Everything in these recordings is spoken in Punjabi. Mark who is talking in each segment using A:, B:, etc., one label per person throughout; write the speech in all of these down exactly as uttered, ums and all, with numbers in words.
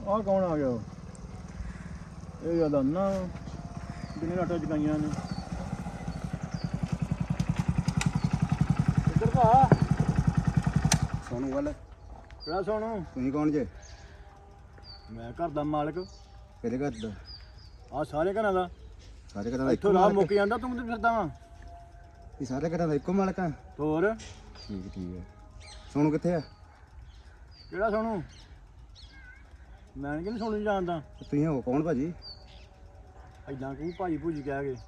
A: ਆਹ ਕੌਣ ਆ ਗਿਆ? ਇਹ ਜਿਆਦਾ ਨਾ ਕਿੰਨੇ ਲਾਟਾਂ ਚਕਾਈਆਂ ਨੇ। ਇੱਧਰ ਭਾ
B: ਸੋਨੂੰ ਗੱਲ
A: ਕਿਹੜਾ ਸੋਨੂੰ?
B: ਤੁਸੀਂ ਕੌਣ ਜੇ?
A: ਮੈਂ ਘਰ ਦਾ ਮਾਲਕ।
B: ਕਿਹਦੇ ਘਰ ਦਾ?
A: ਆਹ ਸਾਰੇ ਘਰਾਂ ਦਾ।
B: ਸਾਰੇ ਘਰਾਂ ਦਾ
A: ਇੱਥੋਂ ਰਾਹ ਮੁੱਕ ਜਾਂਦਾ, ਤੂੰ ਕਿੱਥੇ ਫਿਰਦਾ ਵਾ?
B: ਇਹ ਸਾਰੇ ਘਰਾਂ ਦਾ ਇੱਕੋ ਮਾਲਕ ਆ?
A: ਹੋਰ
B: ਠੀਕ ਠੀਕ ਹੈ। ਸੋਨੂੰ ਕਿੱਥੇ ਆ?
A: ਕਿਹੜਾ ਸੋਨੂੰ? ਮੈਂ ਨਹੀਂ ਕਿਹਨੂੰ ਸੋਨੂੰ ਜਾਣਦਾ।
B: ਤੁਸੀਂ ਹੋ ਕੌਣ ਭਾਜੀ?
A: ਐਦਾਂ ਕਹੂੰ ਭਾਈ ਭੂਜੀ ਕਹਿ ਕੇ।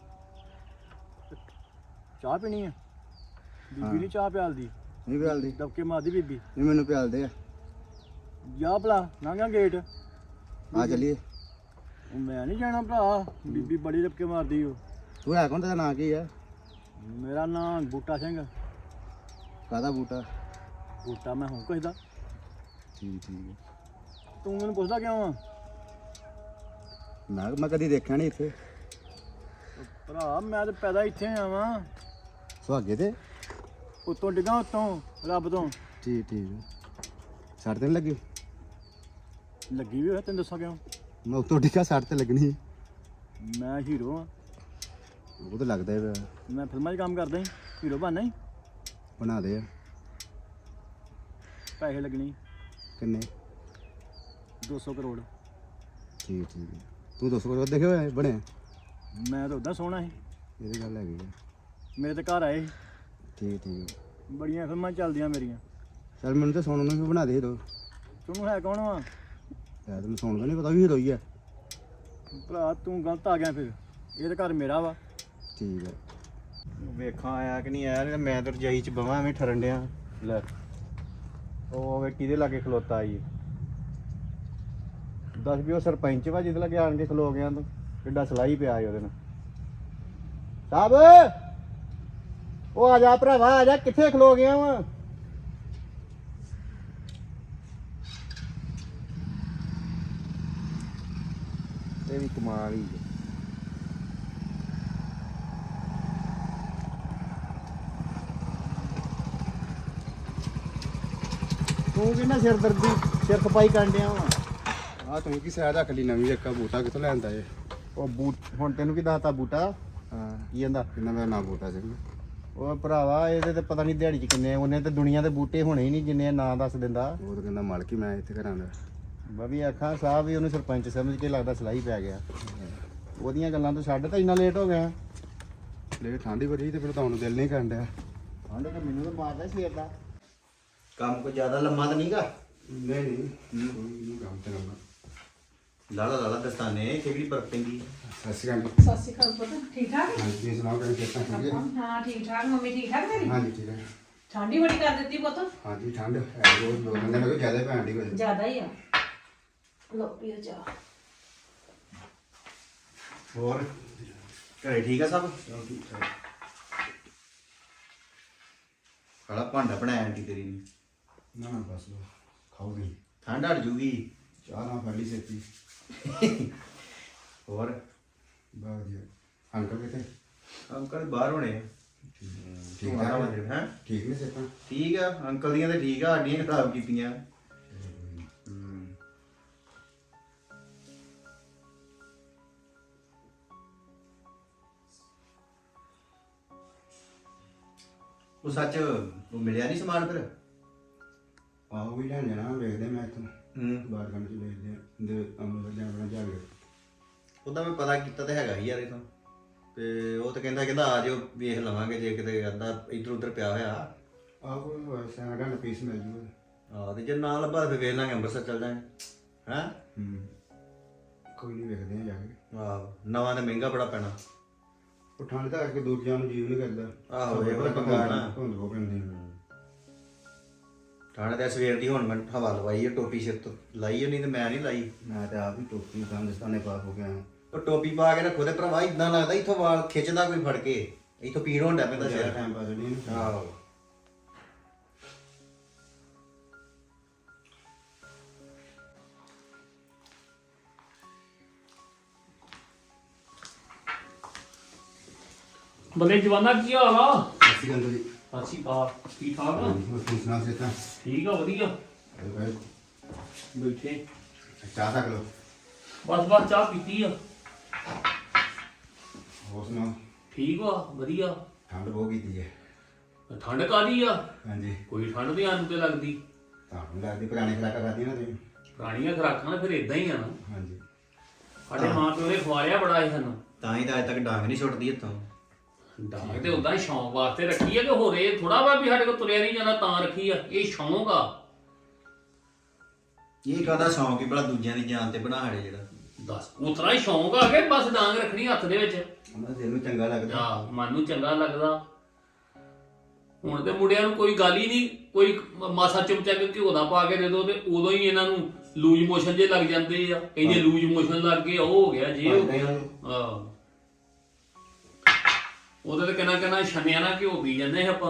A: ਚਾਹ ਪੀਣੀ ਆ? ਬੀਬੀ ਨਹੀਂ ਚਾਹ ਪਿਆਲਦੀ।
B: ਨਹੀਂ ਪਿਆਲਦੀ?
A: ਦਬਕੇ ਮਾਰਦੀ ਬੀਬੀ।
B: ਨਹੀਂ ਮੈਨੂੰ ਪਿਆਲਦੇ ਆ।
A: ਜਾ ਭਲਾ ਲੰਘਾਂ ਗੇਟ।
B: ਆ ਚੱਲੀਏ।
A: ਉਹ ਮੈਂ ਨਹੀਂ ਜਾਣਾ ਭਰਾ, ਬੀਬੀ ਬੜੀ ਦਬਕੇ ਮਾਰਦੀ ਓ।
B: ਤੂੰ ਹੈ ਕੌਣ? ਤੇਰਾ ਨਾਂ ਕੀ ਆ?
A: ਮੇਰਾ ਨਾਂ ਬੂਟਾ ਸਿੰਘ।
B: ਕਾਹਦਾ ਬੂਟਾ?
A: ਬੂਟਾ ਮੈਂ ਹੂੰ ਕਿਸੇ ਦਾ।
B: ਠੀਕ ਠੀਕ ਹੈ।
A: ਤੂੰ ਮੈਨੂੰ ਪੁੱਛਦਾ ਕਿਉਂ ਆ?
B: ਮੈਂ ਮੈਂ ਕਦੀ ਦੇਖਿਆ ਨਹੀਂ ਇੱਥੇ।
A: ਉਹ ਭਰਾ ਮੈਂ ਤਾਂ ਪੈਦਾ ਇੱਥੇ ਆਵਾਂ।
B: ਸੁਹਾਗੇ ਤੇ?
A: ਉੱਤੋਂ ਡਿੱਗਾ, ਉੱਤੋਂ ਰੱਬ ਤੋਂ।
B: ਠੀਕ ਠੀਕ ਹੈ। ਸੱਟ ਤੇ ਨੀ ਲੱਗੀ?
A: ਲੱਗੀ ਵੀ ਹੋਇਆ, ਤੈਨੂੰ ਦੱਸਾਂ ਕਿਉਂ?
B: ਮੈਂ ਉੱਤੋਂ ਡਿੱਗਾ, ਸੱਟ ਤੇ ਲੱਗਣੀ।
A: ਮੈਂ ਹੀਰੋ ਆ।
B: ਉਹ ਤਾਂ ਲੱਗਦਾ ਹੈ।
A: ਮੈਂ ਫਿਲਮਾਂ 'ਚ ਕੰਮ ਕਰਦਾ ਹੀ, ਹੀਰੋ ਬਣਨਾ ਹੀ।
B: ਬਣਾ ਦੇ ਆ।
A: ਪੈਸੇ ਲੱਗਣੀ
B: ਕਿੰਨੇ?
A: ਦੋ ਸੌ ਕਰੋੜ।
B: ਠੀਕ ਠੀਕ ਹੈ। ਤੂੰ ਦੋ ਸੌ ਕਰੋੜ ਦੇਖੇ ਹੋਏ ਬਣਿਆ?
A: ਮੈਂ ਤਾਂ ਉੱਦਾਂ ਸੋਹਣਾ ਸੀ।
B: ਇਹਦੀ ਗੱਲ ਹੈਗੀ ਆ।
A: ਮੇਰੇ ਤੇ ਘਰ ਆਏ ਸੀ।
B: ਠੀਕ ਠੀਕ।
A: ਬੜੀਆਂ ਫਿਲਮਾਂ ਚੱਲਦੀਆਂ ਮੇਰੀਆਂ।
B: ਚੱਲ ਮੈਨੂੰ ਤਾਂ ਸੋਨੂੰ ਨੂੰ ਵੀ ਬਣਾ ਦੇ ਦੋ।
A: ਤੈਨੂੰ ਹੈ ਕੌਣ ਵਾ?
B: ਯਾਰ ਤੈਨੂੰ ਸੋਨੂੰ ਦਾ ਨਹੀਂ ਪਤਾ ਵੀ ਹੀਰੋਈ ਆ।
A: ਭਰਾ ਤੂੰ ਗਲਤ ਆ ਗਿਆ ਫਿਰ। ਇਹ ਤਾਂ ਘਰ ਮੇਰਾ ਵਾ।
B: ਠੀਕ ਹੈ। ਵੇਖਾਂ ਆਇਆ ਕਿ ਨਹੀਂ ਆਇਆ। ਮੈਂ ਤਾਂ ਰਜਾਈ ਚ ਬਵਾਂ ਐਵੇਂ ਠਰਨ ਡਿਆ। ਲੈ ਉਹ ਵੇ ਕਿਹਦੇ ਲਾਗੇ ਖਲੋਤਾ ਆਈ। ਦੱਸ ਵੀ ਉਹ ਸਰਪੰਚ ਵਾ ਜਿਹਦੇ ਲਾਗੇ ਆਣ ਕੇ ਖਲੋ ਗਿਆ ਤੂੰ। ਕਿੱਡਾ ਸਲਾਈ ਪਿਆ ਉਹਦੇ ਨਾਲ। ਸਾਹਿਬ ਉਹ ਆ ਜਾ ਭਰਾਵਾ, ਆ ਜਾ। ਕਿੱਥੇ ਖਲੋ ਗਿਆ ਵਾ? ਇਹ ਵੀ ਕਮਾਲ ਹੀ। ਤੂੰ ਕਿੰਨਾ ਸਿਰ ਦਰਦੀ ਸਿਰ ਖਪਾਈ ਕਰਨ ਡਿਆ ਵਾ? ਆ ਤੂੰ ਕੀ ਸਾਇਦ ਰੱਖ ਲਈ ਨਵੀਂ ਇੱਕ ਬੂਟਾ ਕਿੱਥੋਂ ਲੈਂਦਾ ਏ? ਉਹ ਬੂਟ ਹੁਣ ਤੈਨੂੰ ਕੀ ਦੱਸਤਾ ਬੂਟਾ? ਹਾਂ ਕੀ ਕਹਿੰਦਾ? ਕਿੰਨਾ ਮੇਰਾ ਨਾਂ ਬੂਟਾ ਸਿੰਘ। ਉਹ ਭਰਾਵਾ ਇਹਦੇ ਤੇ ਪਤਾ ਨਹੀਂ ਦਿਹਾੜੀ ਚ ਕਿੰਨੇ ਉਹਨੇ ਤੇ ਦੁਨੀਆ ਦੇ ਬੂਟੇ ਹੋਣੇ ਹੀ ਨਹੀਂ ਜਿੰਨੇ ਨਾਂ ਦੱਸ ਦਿੰਦਾ। ਉਹ ਤਾਂ ਕਹਿੰਦਾ ਮਾਲਕ ਹੀ ਮੈਂ ਇੱਥੇ ਘਰਾਂ ਦਾ। ਮੈਂ ਵੀ ਆਖਾਂ ਸਾਹਿਬ ਵੀ ਉਹਨੂੰ ਸਰਪੰਚ ਸਮਝ ਕੇ ਲੱਗਦਾ ਸਲਾਈ ਪੈ ਗਿਆ। ਉਹਦੀਆਂ ਗੱਲਾਂ ਤੋਂ ਛੱਡ ਤਾਂ ਇੰਨਾ ਲੇਟ ਹੋ ਗਿਆ। ਲੇਟ ਠੰਡੀ ਬੜੀ ਤੇ ਫਿਰ ਤਾਂ ਹੁਣ ਦਿਲ ਨਹੀਂ ਕਰਨ ਡਿਆ। ਠੰਡ ਤਾਂ ਮੈਨੂੰ ਤਾਂ ਮਾਰਦਾ ਸਵੇਰ ਦਾ।
C: ਕੰਮ ਕੋਈ ਜ਼ਿਆਦਾ ਲੰਮਾ ਤਾਂ ਨਹੀਂਗਾ?
B: ਨਹੀਂ ਨਹੀਂ ਕੰਮ ਤੇ ਲੰਮਾ।
C: ਲਾਲਾ ਲਾਲਾ ਦਸਤਾਨੇ ਕਿਹੜੀ ਬਰਫ ਪੈਂਦੀ?
B: ਸਤਿ ਸ਼੍ਰੀ ਅਕਾਲ।
D: ਸਤਿ ਸ਼੍ਰੀ ਅਕਾਲ ਪੁੱਤ, ਠੀਕ ਠਾਕ?
B: ਹਾਂਜੀ ਤੁਸੀਂ ਸੁਣਾਓ ਕਿਵੇਂ ਕਿੱਦਾਂ ਠੀਕ ਹੈ?
D: ਹਾਂ ਠੀਕ ਠਾਕ। ਮੰਮੀ ਠੀਕ ਠਾਕ ਤੇਰੀ?
B: ਹਾਂਜੀ ਠੀਕ ਹੈ।
D: ਠੰਡੀ ਬੜੀ ਕਰ ਦਿੱਤੀ ਪੁੱਤ।
B: ਹਾਂਜੀ ਠੰਡ ਹੈ ਬਹੁਤ ਦੋ ਬੰਦੇ ਨਾਲ ਜ਼ਿਆਦਾ ਭੈਣ ਦੀ ਕੋਈ।
D: ਜ਼ਿਆਦਾ ਹੀ ਆ। ਲੋ ਪੀਓ ਚਾਹ।
C: ਹੋਰ ਘਰੇ ਠੀਕ ਆ ਸਭ? ਖੜਾ ਭਾਂਡਾ ਬਣਾਇਆ ਆਂਟੀ ਤੇਰੀ ਨੇ।
B: ਨਾ ਨਾ ਬਸ ਲੋ ਖਾਓਗੇ।
C: ਠੰਡ ਹਟ ਜੂਗੀ।
B: ਚਾਹ ਨਾ ਫੜ ਲਈ ਸੇਤੀ।
C: ਹੋਰ
B: ਬਾਹਰ ਜੀ ਅੰਕਲ ਕਿੱਥੇ?
C: ਅੰਕਲ ਬਾਹਰ ਹੋਣੇ।
B: ਠੀਕ
C: ਤੂੰ ਆਇਆ ਹੋਇਆ ਹੈ?
B: ਠੀਕ ਨੇ ਸੇਤਾਂ?
C: ਠੀਕ ਆ ਅੰਕਲ ਦੀਆਂ ਤੇ ਠੀਕ ਆ, ਸਾਡੀਆਂ ਖਰਾਬ ਕੀਤੀਆਂ। ਹੂੰ ਉਹ ਸੱਚ ਉਹ ਮਿਲਿਆ ਨਹੀਂ ਸਮਾਨ ਫਿਰ?
B: ਆਹੋ ਵੀ ਲੈਣ ਜਾਣਾ ਵੇਖਦੇ ਮੈਂ ਇੱਥੋਂ
C: ਹੂੰ
B: ਬਾਹਰ ਕੰਮ ਚ ਵੇਖਦੇ ਦੇ ਅਮਰ ਜਾਣਾ ਜਾ ਕੇ।
C: ਉਹਦਾ ਮੈਂ ਪਤਾ ਕੀਤਾ ਤੇ ਹੈਗਾ ਹੀ ਯਾਰ ਇਥੋਂ ਤੇ ਉਹ ਤਾਂ ਕਹਿੰਦਾ ਕਹਿੰਦਾ ਆ ਜਾਓ ਵੇਖ ਲਵਾਂਗੇ ਜੇ ਕਿਤੇ ਅੱਧਾ ਇੱਧਰ ਉੱਧਰ ਪਿਆ ਹੋਇਆ।
B: ਆਹੋ ਸਾਡਾ ਨਾ ਪੀਸ ਮਿਲ ਜੂਗਾ।
C: ਆਹ ਤੇ ਜੇ ਨਾ ਲੱਭਾ ਫਿਰ ਵੇਖ ਲਾਂਗੇ ਅੰਮ੍ਰਿਤਸਰ ਚੱਲ ਜਾਵਾਂਗੇ। ਹੈਂ
B: ਹੂੰ ਕੋਈ ਨਹੀਂ ਵੇਖਦੇ ਆ ਜਾ ਕੇ।
C: ਆਹੋ ਨਵਾਂ ਤੇ ਮਹਿੰਗਾ ਬੜਾ ਪੈਣਾ।
B: ਉਹ ਠੰਡ ਦਾ ਕਰਕੇ ਦੂਰ ਜਾਣ ਨੂੰ ਜੀਵ ਨਹੀਂ ਕਰਦਾ।
C: ਆਹੋ ਇਹੋ ਹੀ ਪੰਗਾ ਨਾ।
B: ਧੁੰਦ ਹੋ ਪੈਂਦੀ।
C: ਠੰਡ ਤੇ ਸਵੇਰ ਦੀ ਹੁਣ ਮੈਂ ਹਵਾ ਲਵਾਈ ਹੈ ਟੋਪੀ ਸਿਰ ਤੋਂ ਲਾਈ ਨਹੀਂ ਤੇ ਮੈਂ ਨਹੀਂ ਲਾਈ।
B: ਮੈਂ ਤਾਂ ਆਪ ਹੀ ਟੋਪੀ ਦਸਤਾਨੇ ਪਾ ਹੋ ਗਿਆ।
C: ਉਹ ਟੋਪੀ ਪਾ ਕੇ ਰੱਖੋ ਤੇ ਭਰਾਵਾ ਇਦਾਂ ਲੱਗਦਾ ਇੱਥੋਂ ਵਾਲ ਖਿੱਚਦਾ ਕੋਈ ਫੜ ਕੇ। ਇੱਥੋਂ ਪੀੜ ਹੋਣ ਡਿਆ ਪੈਂਦਾ ਸਿਰ।
B: ਟਾਈਮ ਪਾਸ ਨਹੀਂ।
C: ਆਹੋ
E: ਬੱਲੇ ਜਵਾਨਾ ਕੀ ਹਾਲ ਆ?
B: ਅਸੀਂ ਕਹਿੰਦੇ ਜੀ
E: ਸਤਿ ਸ਼੍ਰੀ ਅਕਾਲ। ਠੀਕ ਠਾਕ ਆ?
B: ਹੋਰ ਤੁਸੀਂ ਸੁਣਾ ਸੇਤਾਂ?
E: ਠੀਕ ਆ ਵਧੀਆ।
B: ਅਰੇ ਭਾਈ
E: ਬੈਠੇ
B: ਚਾਹ ਤੱਕ ਲੋ।
E: ਬਸ ਬਸ ਚਾਹ ਪੀਤੀ ਆ।
B: ਹੋਰ ਸੁਣਾਓ?
E: ਠੀਕ ਵਾ ਵਧੀਆ।
B: ਠੰਡ ਬਹੁਤ ਕੀਤੀ ਹੈ।
E: ਠੰਡ ਕਾਦੀ ਆ?
B: ਹਾਂਜੀ
E: ਕੋਈ ਠੰਡ ਤੇ ਆਨੂੰ ਤੇ ਲੱਗਦੀ।
B: ਤੁਹਾਨੂੰ ਲੱਗਦੀ ਪੁਰਾਣੀ ਖਰਾਕਾਂ ਖਾਧੀ ਨਾ ਤੁਸੀਂ?
E: ਪੁਰਾਣੀਆਂ ਖੁਰਾਕਾਂ ਨਾ ਫਿਰ ਇਦਾਂ ਹੀ ਆ ਨਾ।
B: ਹਾਂਜੀ
E: ਸਾਡੇ ਮਾਂ ਪਿਓ ਨੇ ਖਵਾਇਆ ਬੜਾ ਸੀ ਸਾਨੂੰ।
C: ਤਾਂ ਹੀ ਤਾਂ ਅੱਜ ਤੱਕ ਡਾਂਗ ਨਹੀਂ ਛੁੱਟਦੀ ਇੱਥੋਂ।
E: ਡਾਂਗ ਤੇ ਉਦਾਂ ਹੀ ਸ਼ੌਂਕ ਵਾਸਤੇ ਰੱਖੀ ਆ ਕਿ ਹੋਰ ਇਹ ਥੋੜਾ ਵਾ ਵੀ ਸਾਡੇ ਕੋਲ ਤੁਰਿਆ ਨਹੀਂ ਜਾਂਦਾ ਤਾਂ ਰੱਖੀ ਆ। ਇਹ ਸ਼ੌਂਕ ਆ।
C: ਇਹ ਕਾਹਦਾ ਸ਼ੌਂਕ ਹੀ ਭਲਾ ਦੂਜਿਆਂ ਦੀ ਜਾਨ ਤੇ ਬਣਾ ਹੜੇ ਜਿਹੜਾ।
E: ਦੱਸ ਉਤਰਾ ਹੀ ਸ਼ੌਂਕ ਆ ਕਿ ਬਸ ਡਾਂਗ ਰੱਖਣੀ ਹੱਥ ਦੇ ਵਿੱਚ।
B: ਉਹਨਾਂ ਦਿਲ ਨੂੰ ਚੰਗਾ ਲੱਗਦਾ।
E: ਆ ਮਨ ਨੂੰ ਚੰਗਾ ਲੱਗਦਾ। ਹੁਣ ਤੇ ਮੁੰਡਿਆਂ ਨੂੰ ਕੋਈ ਗੱਲ ਹੀ ਨਹੀਂ, ਕੋਈ ਮਾਸਾ ਚਮਚਾ ਕੇ ਘਿਓ ਦਾ ਪਾ ਕੇ ਦੇ ਦੋ ਤੇ ਉਦੋਂ ਹੀ ਇਹਨਾਂ ਨੂੰ ਲੂਜ ਮੋਸ਼ਨ ਜੇ ਲੱਗ ਜਾਂਦੇ ਆ। ਕਹਿੰਦੇ ਲੂਜ ਮੋਸ਼ਨ ਲੱਗ ਗਏ, ਉਹ ਹੋ ਗਿਆ ਜੇ ਹੋ ਗਿਆ। ਆਹ ਉਹਦੇ ਤੇ ਕਿੰਨਾ ਕਿੰਨਾ ਛੰਨਿਆ ਨਾ ਘਿਓ ਪੀ ਜਾਂਦੇ ਆਪਾਂ।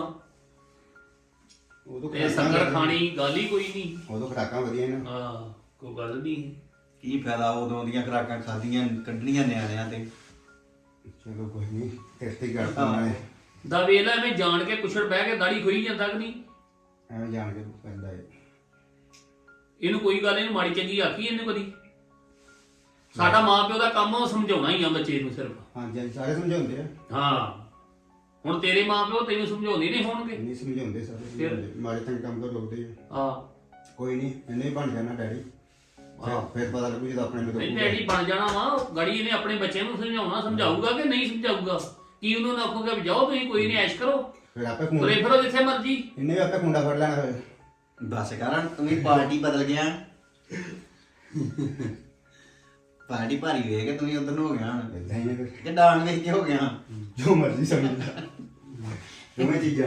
B: ਉਦੋਂ
E: ਤੇ ਸ਼ੱਕਰ ਖਾਣੀ ਗੱਲ ਹੀ ਕੋਈ ਨਹੀਂ।
B: ਉਦੋਂ ਖਰਾਕਾਂ ਵਧੀਆ ਨੇ।
E: ਹਾਂ ਕੋਈ ਗੱਲ ਨਹੀਂ।
C: ਕੀ ਫਾਇਦਾ ਉਦੋਂ ਦੀਆਂ ਖੁਰਾਕਾਂ ਖਾਧੀਆਂ ਕੱਢਣੀਆਂ ਨਿਆਣਿਆਂ ਤੇ।
B: ਚਲੋ ਕੋਈ ਨਹੀਂ, ਤੇਰੇ ਤੇ ਗੱਲ ਤਾਂ ਨਾਲੇ
E: ਦਾ ਵੇਲਾ ਐਵੇਂ ਜਾਣ ਕੇ ਕੁਛੜ ਬਹਿ ਕੇ ਦਾੜੀ ਖੋਈ ਜਾਂਦਾ ਕਿ ਨਹੀਂ।
B: ਐਵੇਂ ਜਾਣ ਕੇ ਪੈਂਦਾ ਹੈ।
E: ਇਹਨੂੰ ਕੋਈ ਗੱਲ ਇਹਨੂੰ ਮਾੜੀ ਚੰਗੀ ਆਖੀ ਇਹਨੇ ਕਦੀ। ਸਾਡਾ ਮਾਂ ਪਿਓ ਦਾ ਕੰਮ ਉਹ ਸਮਝਾਉਣਾ ਹੀ ਆ ਬੱਚੇ ਨੂੰ ਸਿਰਫ।
B: ਹਾਂਜੀ ਹਾਂਜੀ ਸਾਰੇ ਸਮਝਾਉਂਦੇ ਆ।
E: ਹਾਂ ਹੁਣ ਤੇਰੇ ਮਾਂ ਪਿਓ ਤੈਨੂੰ ਸਮਝਾਉਂਦੇ ਨਹੀਂ ਹੋਣਗੇ।
B: ਨਹੀਂ ਸਮਝਾਉਂਦੇ ਸਾਰੇ ਸਮਝਾਉਂਦੇ। ਮਾੜੇ ਚੰਗੇ ਕੰਮ ਤੋਂ ਰੋਕਦੇ ਆ।
E: ਹਾਂ
B: ਕੋਈ ਨਹੀਂ, ਇਹਨੇ ਹੀ ਬਣ ਜਾਣਾ ਡੈਡੀ। ਹਾਂ ਫਿਰ ਪਤਾ ਲੱਗੂ ਜਦੋਂ ਆਪਣੇ ਨੂੰ
E: ਨਹੀਂ ਡੈਡੀ ਬਣ ਜਾਣਾ ਵਾ। ਗਾੜੀ ਇਹਨੇ ਆਪਣੇ ਬੱਚਿਆਂ ਨੂੰ ਸਮਝਾਉਣਾ, ਸਮਝਾਊਗਾ ਕਿ ਨਹੀਂ ਸਮਝਾਊਗਾ। ਕੀ ਉਹਨੂੰ ਨਾ ਆਖੂਗਾ ਵੀ ਜਾਓ ਤੁਸੀਂ ਕੋਈ ਨਹੀਂ ਐਸ਼ ਕਰੋ,
B: ਫਿਰ ਆਪੇ
E: ਤੁਰੇ
B: ਖੁੰਡਾ
E: ਫਿਰੋ ਜਿੱਥੇ ਮਰਜੀ।
B: ਇਹਨੇ ਵੀ ਆਪੇ ਖੁੰਡਾ ਫੜ ਲੈਣਾ ਫਿਰ।
C: ਬਸ ਕਰਨ ਤੂੰ ਵੀ ਪਾਰਟੀ ਬਦਲ ਗਿਆ। ਪਾਰਟੀ ਭਾਰੀ ਵੇਖ ਕੇ ਤੂੰ ਵੀ ਉਧਰ ਨੂੰ ਹੋ ਗਿਆ ਹੁਣ।
B: ਇਦਾਂ ਹੀ ਆ ਫਿਰ,
C: ਕਿ ਡਾਂਗ ਵੇਖ ਕੇ ਹੋ ਗਿਆ।
B: ਜੋ ਮਰਜ਼ੀ ਸਮਝ ਲੈ। ਦੋਵੇਂ ਚੀਜ਼ਾਂ।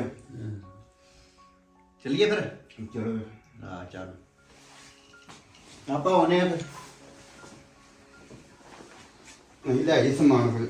C: ਚੱਲੀਏ ਫਿਰ।
B: ਚਲੋ
C: ਹਾਂ ਚੱਲ ਆਪਾਂ ਆਉਨੇ ਆ ਫਿਰ।
B: ਅਸੀਂ ਲੈ ਜੀ ਸਮਾਨ ਫਿਰ।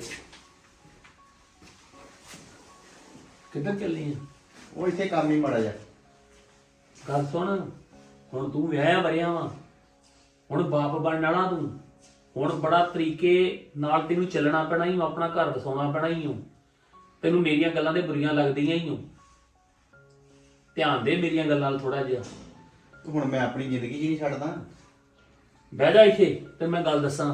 E: ਕਿੱਧਰ ਚੱਲੀ ਆ?
B: ਉਹ ਇੱਥੇ ਕੰਮ ਹੀ ਮਾੜਾ ਜਾ।
E: ਗੱਲ ਸੁਣ, ਹੁਣ ਤੂੰ ਵਿਆਹਿਆ ਵਰਿਆ ਵਾ, ਹੁਣ ਬਾਪ ਬਣਨ ਵਾਲਾ ਤੂੰ। ਹੁਣ ਬੜਾ ਤਰੀਕੇ ਨਾਲ ਤੈਨੂੰ ਚੱਲਣਾ ਪੈਣਾ ਹੀ, ਆਪਣਾ ਘਰ ਵਸਾਉਣਾ ਪੈਣਾ ਹੀ। ਤੈਨੂੰ ਮੇਰੀਆਂ ਗੱਲਾਂ ਦੇ ਬੁਰੀਆਂ ਲੱਗਦੀਆਂ ਹੀ। ਧਿਆਨ ਦੇ ਮੇਰੀਆਂ ਗੱਲਾਂ ਨਾਲ ਥੋੜਾ ਜਿਹਾ।
C: ਹੁਣ ਮੈਂ ਆਪਣੀ ਜ਼ਿੰਦਗੀ 'ਚ ਨਹੀਂ ਛੱਡਦਾ।
E: ਬਹਿ ਜਾ ਇੱਥੇ ਤੇ ਮੈਂ ਗੱਲ ਦੱਸਾਂ।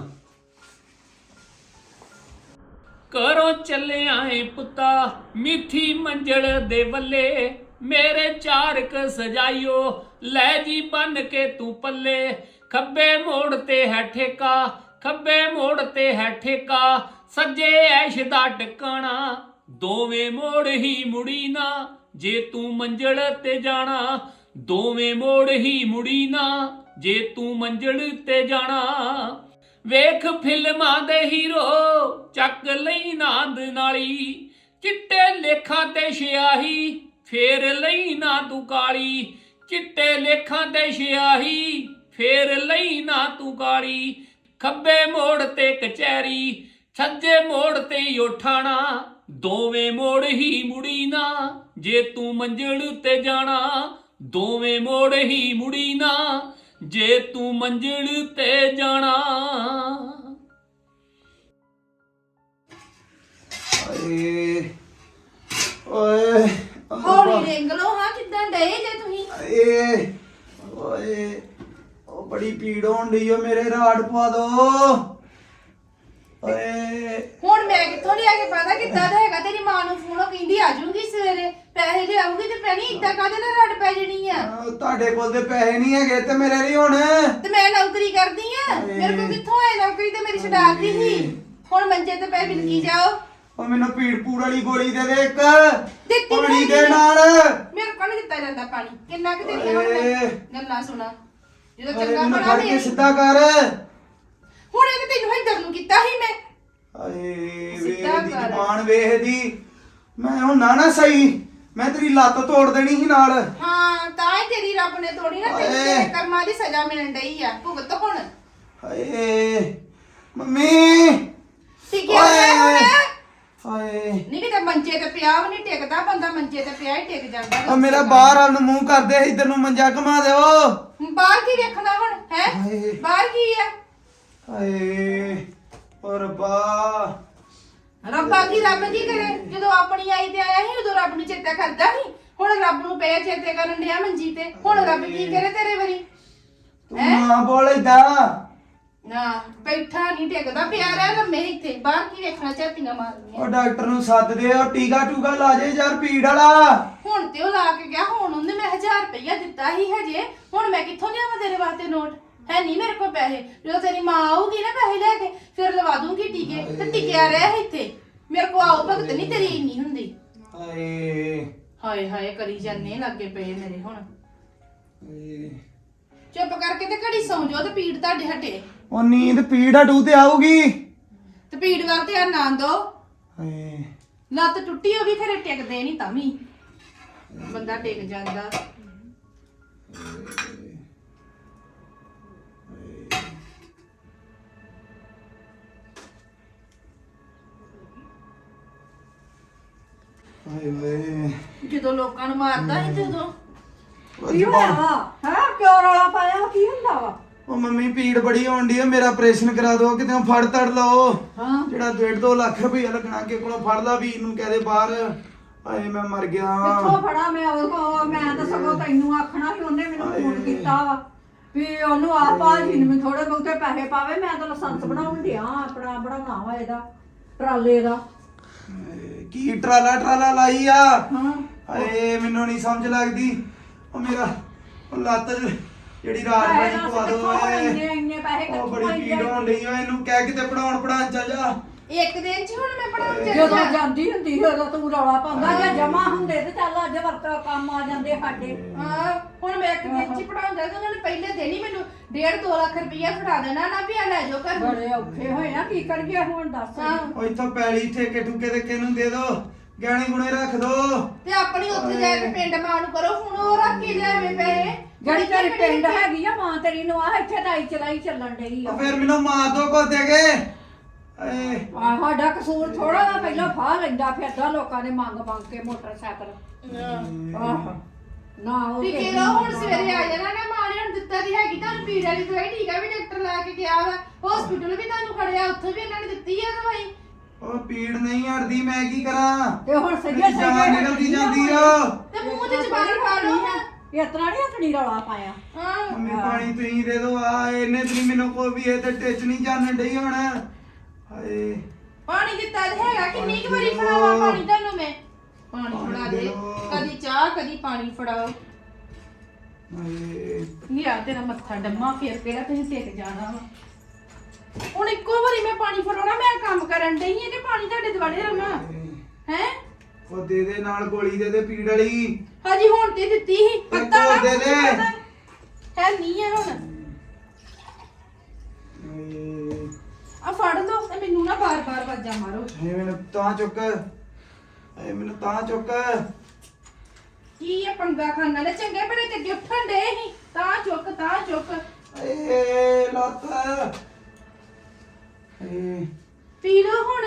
E: ਘਰੋਂ ਚੱਲਿਆ ਏ ਪੁੱਤਾ ਮਿੱਠੀ ਮੰਜਲ ਦੇ ਵੱਲੇ, ਮੇਰੇ ਚਾਰਕ ਸਜਾਈਓ ਲੈ ਜੀ ਬੰਨ ਕੇ ਤੂੰ ਪੱਲੇ। ਖੱਬੇ ਮੋੜ ਤੇ ਹੈ ਠੇਕਾ, ਖੱਬੇ ਮੋੜ ਤੇ ਹੈ ਠੇਕਾ, ਸੱਜੇ ਐਸ਼ ਦਾ ਟਿਕਾਣਾ, ਦੋਵੇਂ ਮੋੜ ਹੀ ਮੁੜੀ ਨਾ ਜੇ ਤੂੰ ਮੰਜ਼ਲ ਤੇ ਜਾਣਾ। ਦੋਵੇਂ ਮੋੜ ਹੀ ਮੁੜੀ ਨਾ ਜੇ ਤੂੰ ਮੰਜ਼ਲ ਤੇ ਜਾਣਾ। ਵੇਖ ਫਿਲਮਾਂ ਦੇ ਹੀਰੋ ਚੱਕ ਲਈ ਨਾਂਦ ਨਾਲੀ, ਚਿੱਟੇ ਲੇਖਾਂ ਤੇ ਸਿਆਹੀ ਫੇਰ ਲਈ ਨਾ ਤੂੰ ਕਾਲੀ। ਚਿੱਟੇ ਲੇਖਾਂ ਤੇ ਸਿਆਹੀ ਫੇਰ ਲਈ ਨਾ ਤੂੰ ਕਾਲੀ। ਖੱਬੇ ਮੋੜ ਤੇ ਕਚਹਿਰੀ, ਸੱਜੇ ਮੋੜ ਤੇ ਉਠਾਣਾ, ਦੋਵੇਂ ਮੋੜ ਹੀ ਮੁੜੀ ਨਾ ਜੇ ਤੂੰ ਮੰਜ਼ਲ ਤੇ ਜਾਣਾ। ਦੋਵੇਂ ਮੋੜ ਹੀ ਮੁੜੀ ਨਾ ਜੇ ਤੂੰ ਮੰਜ਼ਲ ਤੇ ਜਾਣਾ।
B: ਓਏ ਓਏ
F: ਹੌਲੀ ਰਿੰਗ ਲੋ ਹਾਂ, ਕਿੱਦਾਂ ਡਏ ਜੇ ਤੁਸੀਂ?
B: ਏ ਓਏ ਉਹ ਬੜੀ ਪੀੜ ਹੋਣ ਡਈ ਓ, ਮੇਰੇ ਰਾੜ ਪਵਾ ਦੋ ਓਏ।
F: ਹੁਣ ਮੈਂ ਕਿੱਥੋਂ ਲਿਆ ਕੇ ਪਤਾ ਕਿੱਦਾਂ ਦਾ ਹੈਗਾ? ਤੇਰੀ ਮਾਂ ਨੂੰ ਫੋਨ ਕਹਿੰਦੀ ਆ ਜਾਊਗੀ ਸਵੇਰੇ, ਪੈਸੇ ਲਿਆਊਗੀ ਤੇ ਪੈਣੀ ਇੱਦਾਂ ਕਾਹਦੇ ਨਾਲ ਰੱਡ ਪੈ ਜਣੀ ਆ?
B: ਆਹ, ਤੁਹਾਡੇ ਕੋਲ ਤੇ ਪੈਸੇ ਨਹੀਂ ਹੈਗੇ ਤੇ ਮੇਰੇ ਨਹੀਂ ਹੁਣ।
F: ਤੇ ਮੈਂ ਨੌਕਰੀ ਕਰਦੀ ਆ, ਮੇਰੇ ਕੋਲ ਕਿੱਥੋਂ ਆਏ? ਨੌਕਰੀ ਤੇ ਮੇਰੀ ਛਡਾਤੀ ਸੀ। ਹੁਣ ਮੰਜੇ ਤੇ ਪੈ ਬਿਲਕੀ ਜਾਓ।
B: ਉਹ ਮੈਨੂੰ ਪੀੜ ਪੂੜ ਵਾਲੀ ਗੋਲੀ ਦੇ ਦੇ ਇੱਕ,
F: ਦਿੱਤੀ
B: ਪਾਣੀ
F: ਹੋਈ
B: ਦੇ
F: ਹੈ।
B: ਨਾਲ।
F: ਮੇਰੇ ਕੋਲ ਨੀ ਦਿੱਤਾ ਜਾਂਦਾ ਪਾਣੀ। ਕਿੰਨਾ ਕੁ ਦਿੱਤਾ ਹੁਣ ਮੈਂ?
B: ਓਏ।
F: ਗੱਲਾਂ ਸੁਣਾ ਜਦੋਂ
B: ਅਰੇ
F: ਚੰਗਾ
B: ਮੈਨੂੰ
F: ਬਣਾ
B: ਫੜ ਕੇ
F: ਮੇਰੀ।
B: ਸਿੱਧਾ ਕਰ।
F: ਹੁਣ ਇਹ ਤੇ ਤੈਨੂੰ ਇੱਧਰ ਨੂੰ ਕੀਤਾ ਸੀ ਮੈਂ।
B: ਆਏ
F: ਸਿੱਧਾ
B: ਵੇਖ ਦੀ
F: ਕਰ।
B: ਜ਼ਬਾਨ ਵੇਖ ਦੀ। ਮੈਂ ਹੁਣ ਨਾ ਨਾ ਸਹੀ, ਮੈਂ ਤੇਰੀ ਲੱਤ ਤੋੜ ਦੇਣੀ ਸੀ ਨਾਲ।
F: ਹਾਂ ਤਾਂ ਹੀ ਤੇਰੀ ਰੱਬ ਨੇ ਤੋੜੀ ਨਾ, ਤੈਨੂੰ
B: ਓਏ।
F: ਤੇਰੇ ਕਰਮਾਂ ਦੀ ਸਜ਼ਾ ਮਿਲਣ ਡਈ ਆ। ਭੁਗਤ ਹੁਣ
B: ਹਾਏ ਮੰਮੀ।
F: ਟਿਕਿਆ ਹੋਇਆ ਹੁਣ।
B: ਹਾਏ
F: ਨਹੀਂ ਕਿਤੇ ਮੰਜੇ ਤੇ ਪਿਆ ਵੀ ਨਹੀਂ ਟਿਕਦਾ ਬੰਦਾ, ਮੰਜੇ ਤੇ ਪਿਆ ਹੀ ਟਿਕ ਜਾਂਦਾ।
B: ਆ ਮੇਰਾ ਬਾਹਰ ਵੱਲ ਨੂੰ ਮੂੰਹ ਕਰਦੇ, ਇਧਰ ਨੂੰ ਮੰਜਾ ਘੁਮਾ ਦਿਓ।
F: ਬਾਹਰ ਕੀ ਵੇਖਣਾ ਹੁਣ ਹੈ?
B: ਹਾਏ।
F: ਬਾਹਰ ਕੀ ਆ?
B: ਹਾਏ ਓ ਰੱਬਾ।
F: ਰੱਬਾ ਕੀ ਰੱਬ ਕੀ ਕਰੇ? ਜਦੋਂ ਆਪਣੀ ਆਈ ਤੇ ਆਇਆ ਸੀ ਉਦੋਂ ਰੱਬ ਨੂੰ ਚੇਤਾ ਕਰਦਾ ਸੀ। ਹੁਣ ਰੱਬ ਨੂੰ ਪਿਆ ਚੇਤੇ ਕਰਨ ਡਿਆ ਮੰਜੀ ਤੇ। ਹੁਣ ਰੱਬ ਕੀ ਕਰੇ ਤੇਰੇ ਵਰੀ?
B: ਤੂੰ ਨਾ ਬੋਲ ਏਦਾਂ।
F: ਨਾ ਬੈਠਾ ਨਹੀਂ ਟਿਕਦਾ ਪਿਆ ਰਹਿ ਲੰਮੇ ਇੱਥੇ ਬਾਹਰ ਕੀ ਵੇਖਣਾ ਝਾਤੀਆਂ ਮਾਰਨੀਆਂ।
G: ਉਹ ਡਾਕਟਰ ਨੂੰ ਸੱਦ ਦੇ ਉਹ ਟੀਕਾ ਟੂਕਾ ਲਾ ਜੇ ਯਾਰ ਪੀੜ ਵਾਲਾ।
F: ਹੁਣ ਤੇ ਉਹ ਲਾ ਕੇ ਗਿਆ ਹੁਣ ਉਹਨੇ ਮੈਂ ਹਜ਼ਾਰ ਰੁਪਇਆ ਦਿੱਤਾ ਹੀ ਹਜੇ ਹੁਣ ਮੈਂ ਕਿੱਥੋਂ ਲਿਆਵਾਂ ਤੇਰੇ ਵਾਸਤੇ ਨੋਟ ਹੈ ਨਹੀਂ ਮੇਰੇ ਕੋਲ ਪੈਸੇ। ਜਦੋਂ ਤੇਰੀ ਮਾਂ ਆਊਗੀ ਨਾ ਪੈਸੇ ਲੈ ਕੇ ਫਿਰ ਲਵਾ ਦੂੰਗੀ ਟੀਕੇ ਤੇ ਟਿਕਿਆ ਰਹਿ ਇੱਥੇ ਮੇਰੇ ਕੋਲ ਆਓ ਭਗਤ ਨਹੀਂ ਤੇਰੀ ਇੰਨੀ ਹੁੰਦੀ।
G: ਹਾਏ
F: ਹਾਏ ਹਾਏ ਕਰੀ ਜਾਂਦੇ ਲੱਗੇ ਪਏ ਮੇਰੇ ਹੁਣ।
G: ਹਾਏ।
F: ਚੁੱਪ ਕਰਕੇ ਤੇ ਘੜੀ ਸੌਂ ਜਾਓ ਤੇ ਪੀੜ ਤੁਹਾਡੇ ਹਟੇ
G: ਉਹ ਨੀਂਦ ਪੀੜ ਹਟੂ ਤੇ ਆਊਗੀ।
F: ਤੇ ਪੀੜ ਵੱਲ ਧਿਆਨ ਨਾ ਦੋ।
G: ਹਾਏ
F: ਲੱਤ ਟੁੱਟੀ ਹੋ ਵੀ ਖਰੇ ਟਿਕਦੇ ਨਹੀਂ ਤਾਂ ਵੀ ਬੰਦਾ ਟਿਕ ਜਾਂਦਾ।
G: ਹਾਏ ਵੇ
F: ਜਦੋਂ ਲੋਕਾਂ ਨੂੰ ਮਾਰਦਾ ਸੀ ਤੇ ਉਦੋਂ
G: ਕੀ ਹੋਇਆ ਵਾ?
H: ਹਾਂ ਕਿਉਂ ਰੌਲਾ ਪਾਇਆ ਕੀ ਹੁੰਦਾ ਵਾ?
G: ਉਹ ਮੰਮੀ ਪੀੜ ਬੜੀ ਹੋਣ ਡਈ ਆ ਮੇਰਾ ਆਪਰੇਸ਼ਨ ਕਰਾ ਦਿਓ ਕਿਤੇ ਫੜ ਤੜ ਲਓ।
H: ਹਾਂ
G: ਜਿਹੜਾ ਡੇਢ ਦੋ ਲੱਖ ਰੁਪਇਆ ਲੱਗਣਾ ਅੱਗੇ ਕੋਲੋਂ ਫੜ ਲਾ ਵੀਰ ਨੂੰ ਕਹਦੇ ਬਾਹਰ। ਹਾਏ ਮੈਂ ਮਰ ਗਿਆ।
H: ਕਿੱਥੋਂ ਫੜਾ ਮੈਂ ਉਹ ਮੈਂ ਤਾਂ ਸਗੋਂ ਤੈਨੂੰ ਆਖਣਾ ਸੀ ਉਹਨੇ ਮੈਨੂੰ ਫੋਨ ਕੀਤਾ ਵਾ ਵੀ ਉਹਨੂੰ ਆ ਭਾਜੀ ਨੂੰ ਥੋੜੇ ਬਹੁਤੇ ਪੈਸੇ ਪਾਵੇ ਮੈਂ ਤਾਂ ਲਾਇਸੈਂਸ ਬਣਾਉਣ ਡਿਆ ਆਪਣਾ ਬਣਾਉਣਾ ਵਾ ਇਹਦਾ ਟਰਾਲੇ ਦਾ।
G: ਹਾਏ, ਕੀ ਟਰਾਲਾ ਟਰਾਲਾ ਲਾਈ ਆ।
H: ਹਾਂ
G: ਹਾਏ ਮੈਨੂੰ ਨਹੀਂ ਸਮਝ ਲੱਗਦੀ। ਉਹ ਮੇਰਾ ਉਹ ਲੱਤ ਜਿਹੜੀ ਰਾਤ
H: ਪੈਸੇ
G: ਬਣੀ ਪਵਾ
H: ਦੱਸ
G: ਦੋ
H: ਕਿੱਥੋਂ
G: ਓਏ।
H: ਇੰਨੇ ਇੰਨੇ ਪੈਸੇ
G: ਉਹ
H: ਕਿੱਥੋਂ
G: ਬੜੀ
H: ਆਈ
G: ਪੀੜ ਹੋਣ ਡਈ ਆ ਇਹਨੂੰ ਕਹਿ ਕਿਤੇ ਪੜਾਉਣ ਪੜਾਉਣ ਚੱਲ ਜਾ।
F: ਇੱਕ ਦਿਨ ਚ ਹੁਣ ਮੈਂ ਪੜਾਉਣ ਚੱਲ
H: ਜਦੋਂ
F: ਜਾ।
H: ਜਾਂਦੀ ਹੁੰਦੀ ਸੀ ਉਦੋਂ ਤੂੰ ਰੌਲਾ ਪਾਉਂਦਾ ਜਾਂ ਜਮਾ ਹੁੰਦੇ ਤੇ ਚੱਲ ਅੱਜ ਵਰਤ ਕੰਮ ਆ ਜਾਂਦੇ ਸਾਡੇ।
F: ਹਾਂ ਹੁਣ ਮੈਂ ਇੱਕ ਦਿਨ ਚ ਹੀ ਪੜਾਉਣ ਜਾ ਉਹਨਾਂ ਨੇ ਪਹਿਲੇ ਦਿਨ ਹੀ ਮੈਨੂੰ ਡੇਢ ਦੋ ਲੱਖ ਰੁਪਇਆ ਫੜਾ ਦੇਣਾ ਨਾ ਵੀ ਆ ਲੈ ਜਾਓ ਘਰ ਨੂੰ।
H: ਬੜੇ ਔਖੇ ਹੋਏ ਆ ਕੀ ਕਰੀਏ ਹੁਣ ਦੱਸ।
F: ਹਾਂ
G: ਉਹ ਇੱਥੋਂ ਪੈਲੀ ਠੇਕੇ ਠੁਕੇ ਤੇ ਕਿਹਨੂੰ ਦੇ ਦੋ ਗਹਿਣੇ ਗੁਣੇ ਰੱਖ ਦੋ।
F: ਤੇ ਆਪਣੀ ਉੱਥੇ ਜਾ ਕੇ ਪਿੰਡ ਮਾਂ ਨੂੰ ਕਰੋ ਹੁਣ ਉਹ ਰੱਖ ਕੇ ਲਿਆਵੇ ਪੈਸੇ
H: ਜਿਹੜੀ ਤੇਰੀ ਪਿੰਡ ਹੈਗੀ ਆ ਮਾਂ ਤੇਰੀ ਨੂੰ ਆ ਇੱਥੇ ਤਾਂ ਚਲਾਈ ਚੱਲਣ ਡਈ ਆ।
G: ਉਹ ਫਿਰ ਮੈਨੂੰ ਮਾਰ ਦੋ ਕੋ ਦੇ ਕੇ। ਏ
H: ਆ ਸਾਡਾ ਕਸੂਰ ਥੋੜਾ ਨਾ ਪਹਿਲਾਂ ਫਾਹ ਲੈਂਦਾ ਫਿਰਦਾ ਲੋਕਾਂ ਨੇ ਮੰਗ ਮੰਗ ਕੇ ਮੋਟਰਸਾਈਕਲ। ਆਹ ਨਾ ਉਹ
F: ਵੀ ਕਿਹੜਾ ਹੁਣ ਸਵੇਰੇ ਆ ਜਾਣਾ ਨਾ ਮਾਂ ਨੇ ਹੁਣ ਦਿੱਤਾ ਦੀ ਹੈਗੀ ਤੁਹਾਨੂੰ ਪੀੜ ਵਾਲੀ ਦਵਾਈ ਟੀਕਾ ਵੀ ਡਾਕਟਰ ਲਾ ਕੇ ਗਿਆ ਵਾ ਹਸਪੀਟਲ ਵੀ ਤੁਹਾਨੂੰ ਖੜਿਆ ਉੱਥੇ ਵੀ ਇਹਨਾਂ ਨੇ ਦਿੱਤੀ ਆ ਦਵਾਈ।
G: ਉਹ ਪੀੜ ਨਹੀਂ ਹਟਦੀ ਮੈਂ ਕੀ ਕਰਾਂ।
H: ਤੇ ਹੁਣ ਸਹੀ
G: ਮੇਰੀ ਜਾਨ ਨਿਕਲਦੀ ਜਾਂਦੀ ਆ।
F: ਤੇ ਮੂੰਹ ਤੇ ਜ਼ਬਾਨ ਖਾ ਲਓ ਹਾਂ।
H: ਇਸ ਤਰ੍ਹਾਂ ਨਹੀਂ ਹੱਥਣੀ ਰੌਲਾ ਪਾਇਆ।
F: ਹਾਂ
G: ਮੰਮੀ ਪਾਣੀ ਤੁਸੀਂ ਦੇ ਦੋ ਆ ਇਹਨੇ ਤੇ ਨੀ ਮੈਨੂੰ ਕੋਈ ਵੀ ਇਹ ਤੇ ਟਿਚ ਨਹੀਂ ਜਾਣ ਡਈ ਹੁਣ। ਹਾਏ
F: ਪਾਣੀ ਦਿੱਤਾ ਤੇ ਹੈਗਾ ਕਿੰਨੀ ਕੁ ਵਾਰੀ ਫੜਾਵਾ ਪਾਣੀ ਤੁਹਾਨੂੰ ਮੈਂ ਪਾਣੀ ਫੜਾ ਦੇ ਕਦੀ ਚਾਹ ਕਦੀ ਪਾਣੀ ਫੜਾਓ।
G: ਹਾਏ
F: ਲਿਆ ਤੇਰਾ ਮੱਥਾ ਡੰਮਾ ਫੇਰ ਕਿਹੜਾ ਤੁਸੀਂ ਟਿਕ ਜਾਣਾ ਵਾ। ਹੁਣ ਇੱਕੋ ਵਾਰੀ ਮੈਂ ਪਾਣੀ ਫੜਾਉਣਾ ਮੈਂ ਕੰਮ ਕਰਨ ਡਈ ਹਾਂ ਤੇ ਪਾਣੀ ਤੁਹਾਡੇ ਦੁਆਲੇ ਰਮਾ ਹੈ।
G: ਉਹ ਦੇ ਦੇ ਨਾਲ ਗੋਲੀ ਦੇ ਦੇ ਪੀੜ ਵਾਲੀ।
F: ਹਾਜੀ ਹੁਣ ਤੇ ਦਿੱਤੀ ਸੀ ਪਤਾ
G: ਇੱਕ ਹੋਰ ਦੇ ਦੇ।
F: ਹੈ ਨਹੀਂ ਹੈ ਹੁਣ
G: ਹਾਏ
F: ਆ ਫੜ ਲਓ ਤੇ ਮੈਨੂੰ ਨਾ ਬਾਰ-ਬਾਰ ਵਾਜਾਂ ਮਾਰੋ।
G: ਹਾਏ ਮੈਨੂੰ ਤਾਂ ਚੁੱਕ। ਹਾਏ ਮੈਨੂੰ ਤਾਂ ਚੁੱਕ।
F: ਕੀ ਇਹ ਪੰਗਾ ਖਾਨ ਵਾਲੇ ਚੰਗੇ ਬੜੇ ਤੇ ਅੱਗੇ ਉੱਠਣ ਦੇ ਸੀ ਤਾਂ ਚੁੱਕ ਤਾਂ ਚੁੱਕ।
G: ਏ ਲੱਤ। ਏ
F: ਪੀ ਲਓ ਹੁਣ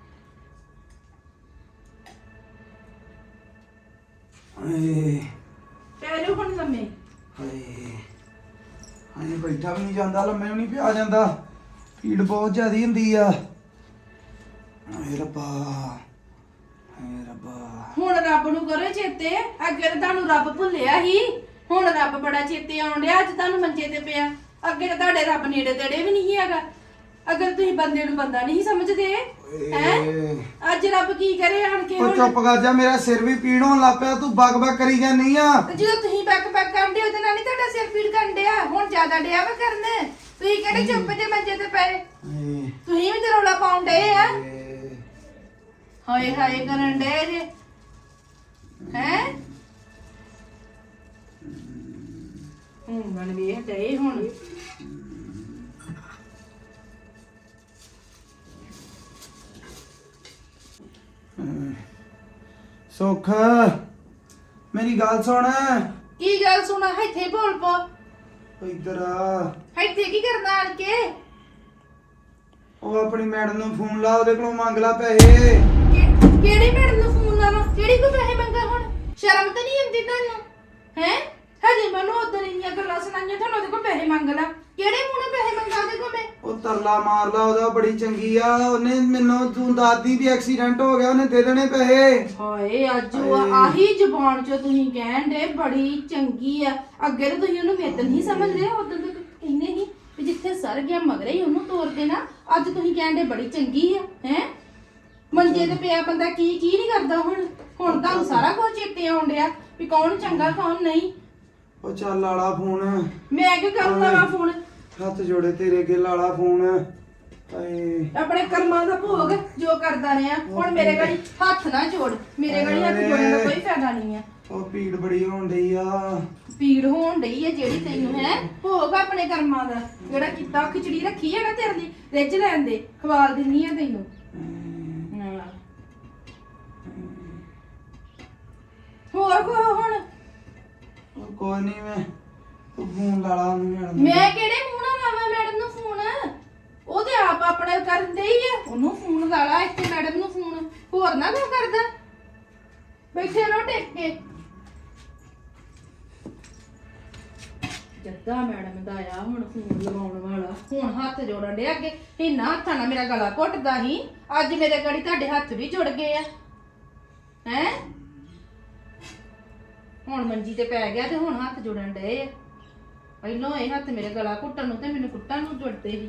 G: ਏ
F: ਪੈਰੋ ਹੁਣ ਲੰਮੇ।
G: ਹਾਏ ਹਾਏ ਬੈਠਾ ਵੀ ਨਹੀਂ ਜਾਂਦਾ ਲੰਮੇ ਵੀ ਨਹੀਂ ਪਿਆ ਜਾਂਦਾ ਪੀੜ ਬਹੁਤ ਜ਼ਿਆਦੀ ਹੁੰਦੀ ਆ। ਹਾਏ ਰੱਬਾ ਹਾਏ ਰੱਬਾ।
F: ਹੁਣ ਰੱਬ ਨੂੰ ਕਰੋ ਚੇਤੇ ਅੱਗੇ ਤਾਂ ਤੁਹਾਨੂੰ ਰੱਬ ਭੁੱਲਿਆ ਸੀ ਹੁਣ ਰੱਬ ਬੜਾ ਚੇਤੇ ਆਉਣ ਡਿਆ ਅੱਜ ਤੁਹਾਨੂੰ ਮੰਜੇ ਤੇ ਪਿਆ। ਅੱਗੇ ਤਾਂ ਤੁਹਾਡੇ ਰੱਬ ਨੇੜੇ ਤੇੜੇ ਵੀ ਨਹੀਂ ਹੈਗਾ। ਅਗਰ ਤੁਸੀਂ ਬੰਦੇ ਨੂੰ ਬੰਦਾ ਨਹੀਂ ਸਮਝਦੇ ਹੈ ਅੱਜ ਰੱਬ ਕੀ ਕਰੇ ਆਣ ਕੇ
G: ਉਹ
F: ਹੁਣ।
G: ਚੁੱਪ ਕਰ ਜਾ ਮੇਰਾ ਸਿਰ ਵੀ ਪੀੜ ਹੋਣ ਲੱਗ ਪਿਆ ਤੂੰ ਬਗ ਬਗ ਕਰੀ ਜਾਂਦੀ ਆ।
F: ਤੇ ਜਦੋਂ ਤੁਸੀਂ ਬੈਕ ਬੈਕ ਕਰਦੇ ਉਹਦੇ ਨਾਲ ਨਹੀਂ ਤੁਹਾਡਾ ਸਿਰ ਪੀੜ ਕਰਨ ਡਿਆ ਹੁਣ ਜ਼ਿਆਦਾ ਡਿਆ ਵਾ ਕਰਨ। ਤੁਸੀਂ ਕਿਹੜੇ ਚੁੱਪ ਜੇ ਮੰਜੇ ਤੇ ਪਏ
G: ਹਾਏ
F: ਤੁਸੀਂ ਵੀ ਤੇ ਰੌਲਾ ਪਾਉਣ ਡਏ ਆ।
G: ਹਾਏ
F: ਹਾਏ ਹਾਏ ਕਰਨ ਡਏ ਜੇ ਹੈ ਹੁਣ ਬਣ ਵੇਖ ਡਏ ਹੁਣ।
G: ਸੁੱਖ ਮੇਰੀ ਗੱਲ ਸੁਣ।
F: ਕੀ ਗੱਲ ਸੁਣਾ ਇੱਥੇ ਬੋਲ ਪੋ
G: ਇੱਧਰ ਆ।
F: ਇੱਥੇ ਕੀ ਕਰਨਾ ਆਣ ਕੇ।
G: ਉਹ ਆਪਣੀ ਮੈਡਮ ਨੂੰ ਫੋਨ ਲਾ ਉਹਦੇ ਕੋਲੋਂ ਮੰਗ ਲਾ ਪੈਸੇ।
F: ਕਿ- ਕਿਹੜੀ ਮੈਡਮ ਨੂੰ ਫੋਨ ਲਾਵਾਂ ਕਿਹੜੀ ਕੋ ਪੈਸੇ ਮੰਗਾ ਹੁਣ ਸ਼ਰਮ ਤਾਂ ਨਹੀਂ ਆਉਂਦੀ ਤੁਹਾਨੂੰ ਹੈ। ਹਜੇ ਮੈਨੂੰ ਉਧਰ ਇੰਨੀਆਂ ਗੱਲਾਂ ਸੁਣਾਈਆਂ ਤੁਹਾਨੂੰ ਉਹਦੇ ਕੋਲ ਪੈਸੇ ਮੰਗ ਲਾ ਕਿਹੜੇ ਮੂੰਹ ਨਾਲ ਪੈਸੇ ਮੰਗਾ ਉਹਦੇ ਕੋਲ ਮੈਂ।
G: ਉਹ ਤਰਲਾ ਮਾਰ ਲਾ ਉਹਦਾ ਬੜੀ ਚੰਗੀ ਆ ਉਹਨੇ ਮੈਨੂੰ ਤੂੰ ਦਾਦੀ ਵੀ ਐਕਸੀਡੈਂਟ ਹੋ ਗਿਆ ਉਹਨੇ ਦੇ ਦੇਣੇ ਪੈਸੇ।
F: ਹਾਏ ਅੱਜ ਉਹ ਆਹੀ ਜ਼ੁਬਾਨ ਚੋਂ ਤੁਸੀਂ ਕਹਿਣ ਦੇ ਬੜੀ ਚੰਗੀ ਆ। ਅੱਗੇ ਤਾਂ ਤੁਸੀਂ ਉਹਨੂੰ ਮਿੱਤ ਨਹੀਂ ਸਮਝਦੇ ਉਦੋਂ ਤਾਂ ਕਹਿੰਦੇ ਸੀ ਵੀ ਵੀ ਜਿੱਥੇ ਸਰ ਗਿਆ ਮਗਰੇ ਹੀ ਉਹਨੂੰ ਤੋੜ ਦੇਣਾ। ਅੱਜ ਤੁਸੀਂ ਕਹਿੰਦੇ ਬੜੀ ਚੰਗੀ ਆ ਹੈ। ਮੰਜੇ ਤੇ ਪਿਆ ਬੰਦਾ ਕੀ ਕੀ ਨਹੀਂ ਕਰਦਾ। ਹੁਣ ਹੁਣ ਤੁਹਾਨੂੰ ਸਾਰਾ ਕੁਝ ਚੇਤੇ ਆਉਣ ਡਿਆ ਵੀ ਕੌਣ ਚੰਗਾ ਕੌਣ ਨਹੀਂ।
G: ਉਹ ਚੱਲ ਲਾਲਾ ਫੋਨ।
F: ਮੈਂ ਕਿਉਂ ਕਰੂੰਗਾ ਵਾ ਫੋਨ?
G: ਹੱਥ ਜੋੜੇ ਤੇਰੇ ਅੱਗੇ ਲਾਲਾ ਫੋਨ। ਹਾਏ
F: ਆਪਣੇ ਕਰਮਾਂ ਦਾ ਭੋਗ ਜੋ ਕਰਦਾ ਰਿਹਾ। ਹੁਣ ਮੇਰੇ ਗਾੜੀ ਹੱਥ ਨਾ ਜੋੜ। ਮੇਰੇ ਗਾੜੀ ਹੱਥ ਜੋੜਨ ਦਾ ਕੋਈ ਫਾਇਦਾ ਨਹੀਂ ਆ।
G: ਉਹ ਪੀੜ ਬੜੀ ਹੋਣ ਡਈ ਆ।
F: ਪੀੜ ਹੋਣ ਡਈ ਹੈ ਜਿਹੜੀ ਤੈਨੂੰ ਹੈ। ਭੋਗ ਆਪਣੇ ਕਰਮਾਂ ਦਾ ਜਿਹੜਾ ਕੀਤਾ। ਖਿਚੜੀ ਰੱਖੀ ਹੈ ਨਾ ਤੇਰੇ ਲਈ, ਰਿੱਝ ਲੈਣ ਦੇ, ਖਵਾਲ ਦਿੰਨੀ ਆ ਤੈਨੂੰ। ਹਾਂ। ਹੋਰ ਕੋ ਹੁਣ
G: ਉਹ ਕੋਈ ਨਹੀਂ ਮੈਂ ਤੂੰ ਫੋਨ ਲਾਲਾ ਨੂੰ ਮੈਡਮ।
F: ਮੈਂ ਕਿਹੜੇ ਮੂੰਹ ਨਾਲ ਲਾਵਾਂ ਮੈਡਮ ਨੂੰ ਫੋਨ? ਉਹ ਤੇ ਆਪ ਆਪਣੇ ਕਰਦੇ ਹੀ ਆ। ਉਹਨੂੰ ਫੋਨ ਲਾ ਲਾ, ਇੱਥੇ ਮੈਡਮ ਨੂੰ ਫੋਨ। ਹੋਰ ਨਾ ਕੋਈ ਕਰਦਾ। ਬੈਠੇ ਰਹੋ ਟੇਕ ਕੇ। ਜੱਦਾ ਮੈਡਮ ਦਾ ਆ ਹੁਣ ਫੋਨ ਲਗਾਉਣ ਵਾਲਾ। ਹੁਣ ਹੱਥ ਜੋੜਨ ਡਿਆ। ਅੱਗੇ ਇਹਨਾਂ ਹੱਥਾਂ ਨਾਲ ਮੇਰਾ ਗਲਾ ਘੁੱਟਦਾ ਸੀ, ਅੱਜ ਮੇਰੇ ਗੜੀ ਤੁਹਾਡੇ ਹੱਥ ਵੀ ਜੁੜ ਗਏ ਆ ਹੈ। ਹੁਣ ਮੰਜੀ ਤੇ ਪੈ ਗਿਆ ਤੇ ਹੁਣ ਹੱਥ ਜੁੜਨ ਡਏ ਆ। ਪਹਿਲਾਂ ਇਹ ਹੱਥ ਮੇਰੇ ਗਲਾ ਘੁੱਟਣ ਨੂੰ ਤੇ ਮੈਨੂੰ ਕੁੱਟਣ ਨੂੰ ਜੁੜਦੇ ਸੀ।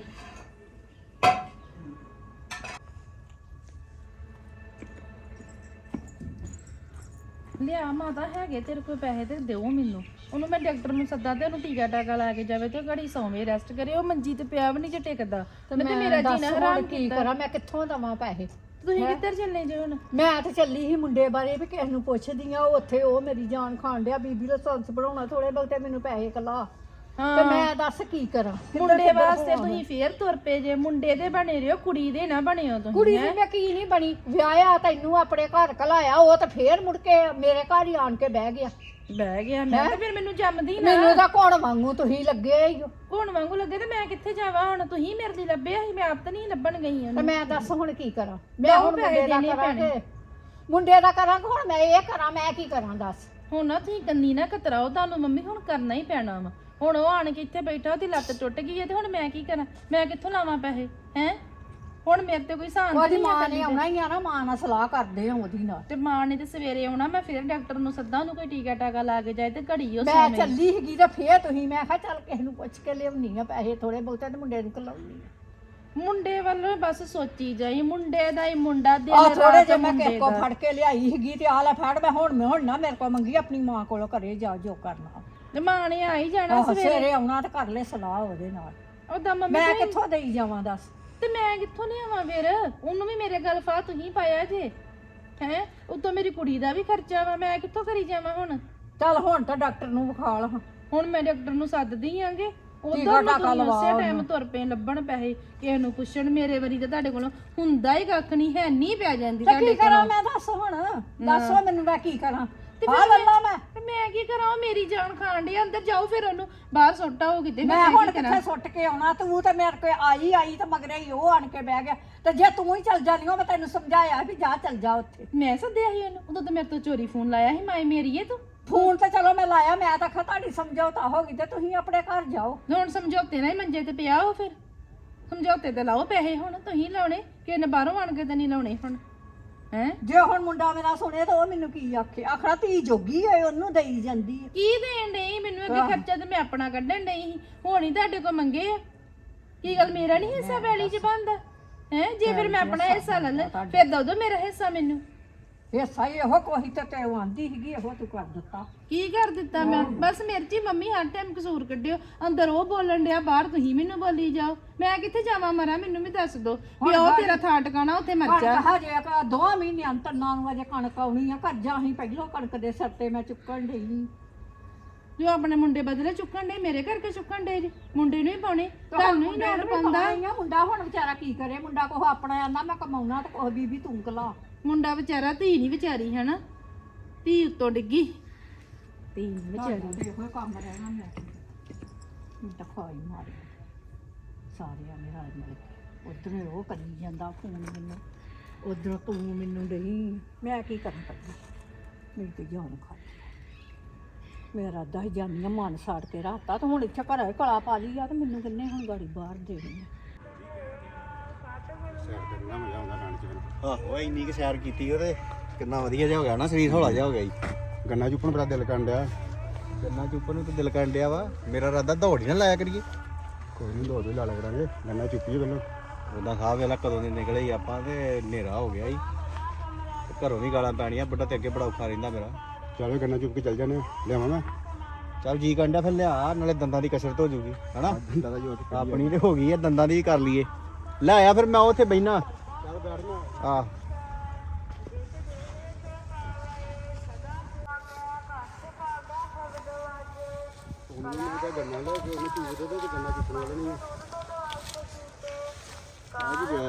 F: ਲਿਆ ਮਾਤਾ ਹੈਗੇ ਤੇਰੇ ਕੋਲ ਪੈਸੇ ਤੇ ਦਿਓ ਮੈਨੂੰ। ਉਹਨੂੰ ਮੈਂ ਡਾਕਟਰ ਨੂੰ ਸੱਦਾ ਤੇ ਉਹਨੂੰ ਟੀਕਾ ਟਾਕਾ ਲਾ ਕੇ ਜਾਵੇ ਤੇ ਘੜੀ ਸੌਵੇਂ ਰੈਸਟ ਕਰੇ। ਉਹ ਮੰਜੀ ਤੇ ਪਿਆ ਵੀ ਨਹੀਂ ਜੇ ਟਿਕਦਾ। ਤੇ ਮੈਂ ਮੇਰਾ ਜੀਣਾ ਹਰਾਮ
H: ਕੀ ਕਰਾਂ ਮੈਂ? ਕਿੱਥੋਂ ਦਵਾਂ ਪੈਸੇ?
F: ਤੁਸੀਂ ਕਿੱਧਰ ਚੱਲੇ ਜੇ ਹੁਣ?
H: ਮੈਂ ਤੇ ਚੱਲੀ ਸੀ ਮੁੰਡੇ ਬਾਰੇ ਵੀ ਕਿਸੇ ਨੂੰ ਪੁੱਛਦੀ ਆ। ਉੱਥੇ ਉਹ ਮੇਰੀ ਜਾਨ ਖਾਣ ਡਿਆ। ਬੀਬੀ ਲਾਇਸੈਂਸ ਬਣਾਉਣਾ, ਥੋੜੇ ਬਹੁਤੇ ਮੈਨੂੰ ਪੈਸੇ ਕਲਾ। ਤੇ ਮੈਂ ਦੱਸ ਕੀ ਕਰਾਂ?
F: ਮੁੰਡੇ ਵਾਸਤੇ ਤੁਸੀਂ ਫੇਰ ਤੁਰ ਪਏ ਜੇ। ਮੁੰਡੇ ਦੇ ਬਣੇ ਰਿਓ, ਕੁੜੀ ਦੇ ਨਾ ਬਣਿਓ ਤੁਸੀਂ।
H: ਕੁੜੀ ਦੀ ਮੈਂ ਕੀ ਨਹੀਂ ਬਣੀ। ਵਿਆਹਿਆ ਤੈਨੂੰ ਆਪਣੇ ਘਰ ਕਲਾਇਆ, ਉਹ ਤਾਂ ਫੇਰ ਮੁੜ ਕੇ ਮੇਰੇ ਘਰ ਹੀ ਆਣ ਕੇ ਬਹਿ ਗਿਆ।
F: ਬਹਿ ਗਿਆ ਮੈਂ ਤੇ ਫਿਰ ਮੈਨੂੰ ਜੰਮਦੀ ਨਾ।
H: ਮੈਨੂੰ ਤਾਂ ਕੋਣ ਵਾਂਗੂ ਤੁਸੀਂ ਲੱਗੇ ਹੀ ਹੋ।
F: ਕੋਣ ਵਾਂਗੂ ਲੱਗੇ ਤੇ ਮੈਂ ਕਿੱਥੇ ਜਾਵਾਂ ਹੁਣ? ਤੁਸੀਂ ਮੇਰੇ ਲਈ ਲੱਭਿਆ ਸੀ, ਮੈਂ ਆਪ ਤਾਂ ਨਹੀਂ ਲੱਭਣ ਗਈ
H: ਤੇ
F: ਉਹਨੂੰ।
H: ਮੈਂ ਦੱਸ ਹੁਣ ਕੀ ਕਰਾਂ? ਮੈਂ ਹੁਣ
F: ਪੈਸੇ
H: ਮੁੰਡੇ ਦਾ
F: ਦੇਣੇ
H: ਕਰਾਂਗੇ, ਮੁੰਡੇ ਦਾ ਕਰਾਂਗਾ। ਹੁਣ ਮੈਂ ਇਹ ਕਰਾਂ, ਮੈਂ ਕੀ ਕਰਾਂ ਦੱਸ?
F: ਹੁਣ ਨਾ ਤੁਸੀਂ ਕੰਨੀ ਨਾ ਕਤਰਾਓ। ਤੁਹਾਨੂੰ ਮੰਮੀ ਹੁਣ ਕਰਨਾ ਹੀ ਪੈਣਾ ਵਾ। ਹੁਣ ਉਹ ਆਣ ਕੇ ਇੱਥੇ ਬੈਠਾ, ਉਹਦੀ ਲੱਤ ਟੁੱਟ ਗਈ ਹੈ ਤੇ ਹੁਣ ਮੈਂ ਕੀ ਕਰਾਂ? ਮੈਂ ਕਿੱਥੋਂ ਲਾਵਾਂ ਪੈਸੇ ਹੈ? ਹੁਣ ਮੇਰੇ ਤੇ ਕੋਈ ਸਾਨ
H: ਉਹਦੀ
F: ਨਹੀਂ ਆ।
H: ਮਾਂ ਨੇ ਆਉਣਾ ਹੀ ਆ ਨਾ, ਮਾਂ ਨਾਲ ਸਲਾਹ ਕਰਦੇ ਆ ਉਹਦੀ ਨਾਲ।
F: ਤੇ ਮਾਂ ਨੇ ਤੇ ਸਵੇਰੇ ਆਉਣਾ। ਮੈਂ ਫਿਰ ਡਾਕਟਰ ਨੂੰ ਸੱਦਾ, ਉਹਨੂੰ ਕੋਈ ਟੀਕਾ ਟਾਕਾ ਲਾ ਕੇ ਜਾਏ ਤੇ ਘੜੀ ਉਹ
H: ਮੈਂ
F: ਸੌਵੇਂ।
H: ਚੱਲੀ ਸੀਗੀ ਤੇ ਫੇਰ ਤੁਸੀਂ, ਮੈਂ ਕਿਹਾ ਚੱਲ ਕਿਸੇ ਨੂੰ ਪੁੱਛ ਕੇ ਲਿਆਉਣੀ ਆ ਪੈਸੇ ਥੋੜੇ ਬਹੁਤੇ ਤੇ ਮੁੰਡੇ ਨੂੰ ਕਲਾਉਣੀ ਆ।
F: ਮੁੰਡੇ ਵੱਲੋਂ ਬਸ ਸੋਚੀ ਜਾਈ। ਮੁੰਡੇ ਦਾ ਹੀ ਮੁੰਡਾ ਦਿਨ
H: ਆ ਥੋੜੇ
F: ਰਾਤ
H: ਜਿਹੇ ਮੈਂ
F: ਮੁੰਡੇ
H: ਕਿਸੇ ਕੋ
F: ਦਾ।
H: ਫੜ ਕੇ ਲਿਆਈ ਸੀਗੀ ਤੇ ਆ ਲੈ ਫੜ। ਮੈਂ ਹੁਣ ਮੈਂ ਹੁਣ ਨਾ ਮੇਰੇ ਕੋ ਮੰਗੀ, ਆਪਣੀ ਮਾਂ ਕੋਲੋਂ ਘਰੇ ਜਾ ਜੋ ਕਰਨਾ।
F: ਤੇ ਮਾਂ ਨੇ ਆ ਹੀ ਜਾਣਾ
H: ਆਹ
F: ਸਵੇਰੇ।
H: ਸਵੇਰੇ ਆਉਣਾ ਤੇ ਕਰ ਲੈ ਸਲਾਹ ਉਹਦੇ ਨਾਲ।
F: ਉਹਦਾ ਮੰਮੀ
H: ਮੈਂ
F: ਤੁਸੀਂ-
H: ਕਿੱਥੋਂ ਦੇਈ ਜਾਵਾਂ ਦੱਸ?
F: ਤੇ ਮੈਂ ਕਿੱਥੋਂ ਲਿਆਵਾਂ ਫਿਰ? ਉਹਨੂੰ ਵੀ ਮੇਰੇ ਗੱਲ ਫਾ ਤੁਸੀਂ ਪਾਇਆ ਜੇ ਹੈ। ਉਤੋਂ ਮੇਰੀ ਕੁੜੀ ਦਾ ਵੀ ਖਰਚਾ ਵਾ। ਮੈਂ ਕਿੱਥੋਂ ਕਰੀ ਜਾਵਾਂ ਹੁਣ?
H: ਚੱਲ ਹੁਣ ਤਾਂ ਡਾਕਟਰ ਨੂੰ ਵਿਖਾ ਲਾ।
F: ਹੁਣ ਮੈਂ ਡਾਕਟਰ ਨੂੰ ਸੱਦਦੀ ਆਂਗੇ।
H: ਟੀਕਾ
F: ਉਧਰ
H: ਟਾਕਾ
F: ਨੂੰ
H: ਲਵਾ
F: ਉਸੇ ਟਾਈਮ
H: ਉਹਨੂੰ।
F: ਤੁਰ ਪਏ ਲੱਭਣ ਪੈਸੇ। ਕਿਸੇ ਨੂੰ ਪੁੱਛਣ। ਮੇਰੇ ਵਾਰੀ ਤਾਂ ਤੁਹਾਡੇ ਕੋਲੋਂ ਹੁੰਦਾ ਹੀ ਕੱਖ ਨਹੀਂ ਹੈ। ਨਹੀਂ ਪੈ ਜਾਂਦੀ
H: ਤੇ ਕੀ
F: ਤੁਹਾਡੇ
H: ਕਰਾਂ
F: ਕੋਲੋਂ।
H: ਮੈਂ ਦੱਸ ਹੁਣ? ਦੱਸੋ ਮੈਨੂੰ ਮੈਂ ਕੀ ਕਰਾਂ?
F: ਤੇ
H: ਆ
F: ਫਿਰ
H: ਲੱਲਾ ਮੈਂ
F: ਤੇ ਮੈਂ ਕੀ ਕਰਾਂ? ਉਹ ਮੇਰੀ ਜਾਨ ਖਾਣ ਡਈ। ਅੰਦਰ ਜਾਓ ਫਿਰ ਉਹਨੂੰ ਬਾਹਰ ਸੁੱਟਾ ਹੋ ਕਿਤੇ।
H: ਮੈਂ ਹੁਣ ਕਿੱਥੇ ਸੁੱਟ ਕੇ ਆਉਣਾ? ਤੂੰ ਤੇ ਮੇਰੇ ਕੋਲ ਆਈ ਆਈ ਤੇ ਮਗਰੇ ਹੀ ਉਹ ਆਣ ਕੇ ਬਹਿ ਗਿਆ। ਤੇ ਜੇ ਤੂੰ ਹੀ ਚੱਲ ਜਾਨੀ ਹੋ, ਮੈਂ ਤੈਨੂੰ ਸਮਝਾਇਆ ਵੀ ਜਾ ਚੱਲ ਜਾ ਉੱਥੇ।
F: ਮੈਂ ਸੱਦਿਆ ਸੀ ਉਹਨੂੰ। ਉਦੋਂ ਤਾਂ ਮੇਰੇ ਤੋਂ ਚੋਰੀ ਫੋਨ ਲਾਇਆ ਸੀ। ਮਾਈ ਮੇਰੀ ਏ ਤੂੰ।
H: ਫੋਨ ਤੇ ਚਲੋ ਮੈਂ ਲਾਇਆ। ਮੈਂ ਤਾਂ ਆਖਿਆ ਤੁਹਾਡੀ ਸਮਝੌਤਾ ਹੋ ਗਈ ਤੇ ਤੁਸੀਂ ਆਪਣੇ ਘਰ ਜਾਓ।
F: ਹੁਣ ਸਮਝੌਤੇ ਨਾਲ ਹੀ ਮੰਜੇ ਤੇ ਪਿਆ ਉਹ। ਫਿਰ ਸਮਝੌਤੇ ਤੇ ਲਾਓ ਪੈਸੇ। ਹੁਣ ਤੁਸੀਂ ਲਾਉਣੇ ਕਿਸੇ ਨੇ ਬਾਹਰੋਂ ਆਣ ਕੇ ਤਾਂ ਨਹੀਂ ਲਾਉਣੇ ਹੁਣ ਹੈ।
H: ਜੇ ਹੁਣ ਮੁੰਡਾ ਮੇਰਾ ਸੁਣੇ ਤਾਂ ਉਹ ਮੈਨੂੰ ਕੀ ਆਖੇ? ਆਖਣਾ ਧੀ ਜੋਗੀ ਏ, ਉਹਨੂੰ ਦੇਈ ਜਾਂਦੀ ਹੈ।
F: ਕੀ ਦੇਣ ਡਈ ਮੈਨੂੰ? ਅੱਗੇ ਖਰਚਾ ਤੇ ਮੈਂ ਆਪਣਾ ਕੱਢਣ ਡਈ ਸੀ। ਹੁਣ ਹੀ ਤੁਹਾਡੇ ਕੋਲ ਮੰਗੇ ਆ। ਕੀ ਗੱਲ ਮੇਰਾ ਨਹੀਂ ਹਿੱਸਾ ਵੈਲੀ ਚ ਬਣਦਾ ਹੈ? ਜੇ ਫਿਰ ਮੈਂ ਆਪਣਾ ਹਿੱਸਾ ਲੈ ਲੈ ਫਿਰ ਦੋ ਦੋ ਮੇਰਾ ਹਿੱਸਾ ਮੈਨੂੰ।
H: ਹਿੱਸਾ ਹੀ ਇਹੋ ਕੋਈ ਤੇ ਤੇ ਉਹ ਆਂਦੀ ਸੀਗੀ, ਇਹੋ ਤੂੰ ਕਰ ਦਿੱਤਾ।
F: ਕੀ ਕਰ ਦਿੱਤਾ ਮੈਂ? ਬਸ ਮੇਰੇ ਚ ਹੀ ਮੰਮੀ ਹਰ ਟਾਈਮ ਕਸੂਰ ਕੱਢਿਓ। ਅੰਦਰ ਉਹ ਬੋਲਣ ਡਿਆ, ਬਾਹਰ ਤੁਸੀਂ ਮੈਨੂੰ ਬੋਲੀ ਜਾਓ। ਮੈਂ ਕਿੱਥੇ ਜਾਵਾਂ ਮਰਾਂ? ਮੈਨੂੰ ਵੀ ਦੱਸ ਦੋ ਵੀ ਉਹ ਤੇਰਾ ਥਾਂ ਟਿਕਾਣਾ ਉੱਥੇ ਮਰ ਜਾ।
H: ਕਹਾ ਜੇ ਕਿ ਦੋਵਾਂ ਮਹੀਨਿਆਂ ਤੰਨਾਂ ਨੂੰ ਅਜੇ ਕਣਕ ਆਉਣੀ ਆ। ਕਰਜਾ ਅਸੀਂ ਪਹਿਲੋਂ ਕਣਕ ਦੇ ਸਿਰ ਤੇ ਮੈਂ ਚੁੱਕਣ ਡਈ।
F: ਜੋ ਆਪਣੇ ਮੁੰਡੇ ਬਦਲੇ ਚੁੱਕਣ ਡੇ, ਮੇਰੇ ਕਰਕੇ ਚੁੱਕਣ ਡੇ ਜੀ। ਮੁੰਡੇ ਨੂੰ ਹੀ ਪਾਉਣੇ, ਤੁਹਾਨੂੰ ਹੀ ਲੋੜ ਪੈਂਦਾ।
H: ਮੁੰਡਾ ਹੁਣ ਵਿਚਾਰਾ ਕੀ ਕਰੇ? ਮੁੰਡਾ ਕੋਹ ਆਪਣਾ ਆਂਦਾ ਮੈਂ ਕਮਾਉਣਾ ਤੇ ਕੋਹ ਬੀਬੀ ਤੂੰ ਕਲਾ।
F: ਮੁੰਡਾ ਵਿਚਾਰਾ, ਧੀ ਨਹੀਂ ਵਿਚਾਰੀ ਹਨਾ। ਧੀ ਉੱਤੋਂ ਡਿੱਗੀ, ਧੀ ਨੀ ਵਿਚਾਰੀ।
H: ਇਹੋ ਕੰਮ ਰਹਿਣਾ ਮੈਂ ਦਖਾਈ ਮਾਰੀ ਸਾਰਿਆਂ ਨੇ ਰਾਜ ਮਿਲ ਕੇ। ਉਧਰ ਉਹ ਕਰੀ ਜਾਂਦਾ ਫੋਨ ਮੈਨੂੰ, ਉਧਰ ਤੂੰ ਮੈਨੂੰ ਨਹੀਂ। ਮੈਂ ਕੀ ਕਰਨ ਪਈ? ਮੇਰੀ ਤੇ ਜਾਨ ਖਾ ਮੇਰਾ ਅੱਧਾ ਹੀ ਜਾਨੀਆਂ ਮਨ ਸਾੜ ਕੇ ਰਾਤਾ। ਤੇ ਹੁਣ ਇੱਥੇ ਘਰ ਕਲਾ ਪਾ ਲਈ ਆ ਤੇ ਮੈਨੂੰ ਕਿੰਨੇ ਹੁਣ ਗਾੜੀ ਬਾਹਰ ਦੇਣੀ ਆ।
B: ਸੈਰ ਕਰਨਾ ਮਜ਼ਾ ਆਉਂਦਾ ਨਾਨਕ ਜੀ ਨੂੰ।
C: ਆਹੋ ਇੰਨੀ ਕਿ ਸੈਰ ਕੀਤੀ ਉਹਦੇ ਕਿੰਨਾ ਵਧੀਆ ਜਿਹਾ ਹੋ ਗਿਆ ਨਾ, ਸਰੀਰ ਹੌਲਾ ਜਿਹਾ ਹੋ ਗਿਆ ਜੀ।
B: ਗੰਨਾ ਚੁੱਪਣ ਬੜਾ ਦਿਲ ਕਰਨ ਡਿਆ।
C: ਗੰਨਾ ਚੁੱਪਣ ਨੂੰ ਤਾਂ ਦਿਲ ਕਰਨ ਡਿਆ ਵਾ। ਮੇਰਾ ਇਰਾਦਾ ਦੌੜ ਹੀ ਨਾ ਲਾਇਆ ਕਰੀਏ।
B: ਕੋਈ ਨਹੀਂ ਦੋ ਦੋ ਲਾ ਲਿਆ ਕਰਾਂਗੇ ਗੰਨਾ ਚੁੱਕੀ ਪਹਿਲਾਂ
C: ਉਹਦਾ ਖਾ ਵੇਲਾ ਕਦੋਂ ਦੇ ਨਿਕਲੇ ਹੀ ਆਪਾਂ ਤੇ ਹਨੇਰਾ ਹੋ ਗਿਆ ਹੀ ਤੇ ਘਰੋਂ ਵੀ ਗਾਲਾਂ ਪੈਣੀਆਂ ਬੁੱਢਾ ਤੇ ਅੱਗੇ ਬੜਾ ਔਖਾ ਰਹਿੰਦਾ ਮੇਰਾ।
B: ਚਲੋ ਗੰਨਾ ਚੁੱਕ ਕੇ ਚੱਲ ਜਾਂਦੇ ਲਿਆਵਾਂ ਮੈਂ
C: ਚੱਲ ਜੀ ਕੰਡਿਆ ਫਿਰ ਲਿਆ ਨਾਲੇ ਦੰਦਾਂ ਦੀ ਕਸਰਤ ਹੋ ਜੂਗੀ ਹਨਾ।
B: ਦੰਦਾਂ ਦਾ ਜੋਤ
C: ਆਪਣੀ ਤੇ ਹੋ ਗਈ ਹੈ ਦੰਦਾਂ ਦੀ ਕਰ ਲਈਏ। ਲੈ ਆਇਆ ਫਿਰ ਮੈਂ ਉੱਥੇ ਬੈਠਾ
B: ਚੱਲ ਬੈਠਣਾ
C: ਆ
B: ਉਹਨੂੰ ਮੈਂ ਗੰਨਾ ਲੈ ਕੇ ਉਹਨੇ ਚੂਕ ਦੇ ਤੇ ਗੰਨਾ ਚੁੱਕਣ ਵਾਲਾ ਨਹੀਂ ਆ ਆ ਜੀ ਗਿਆ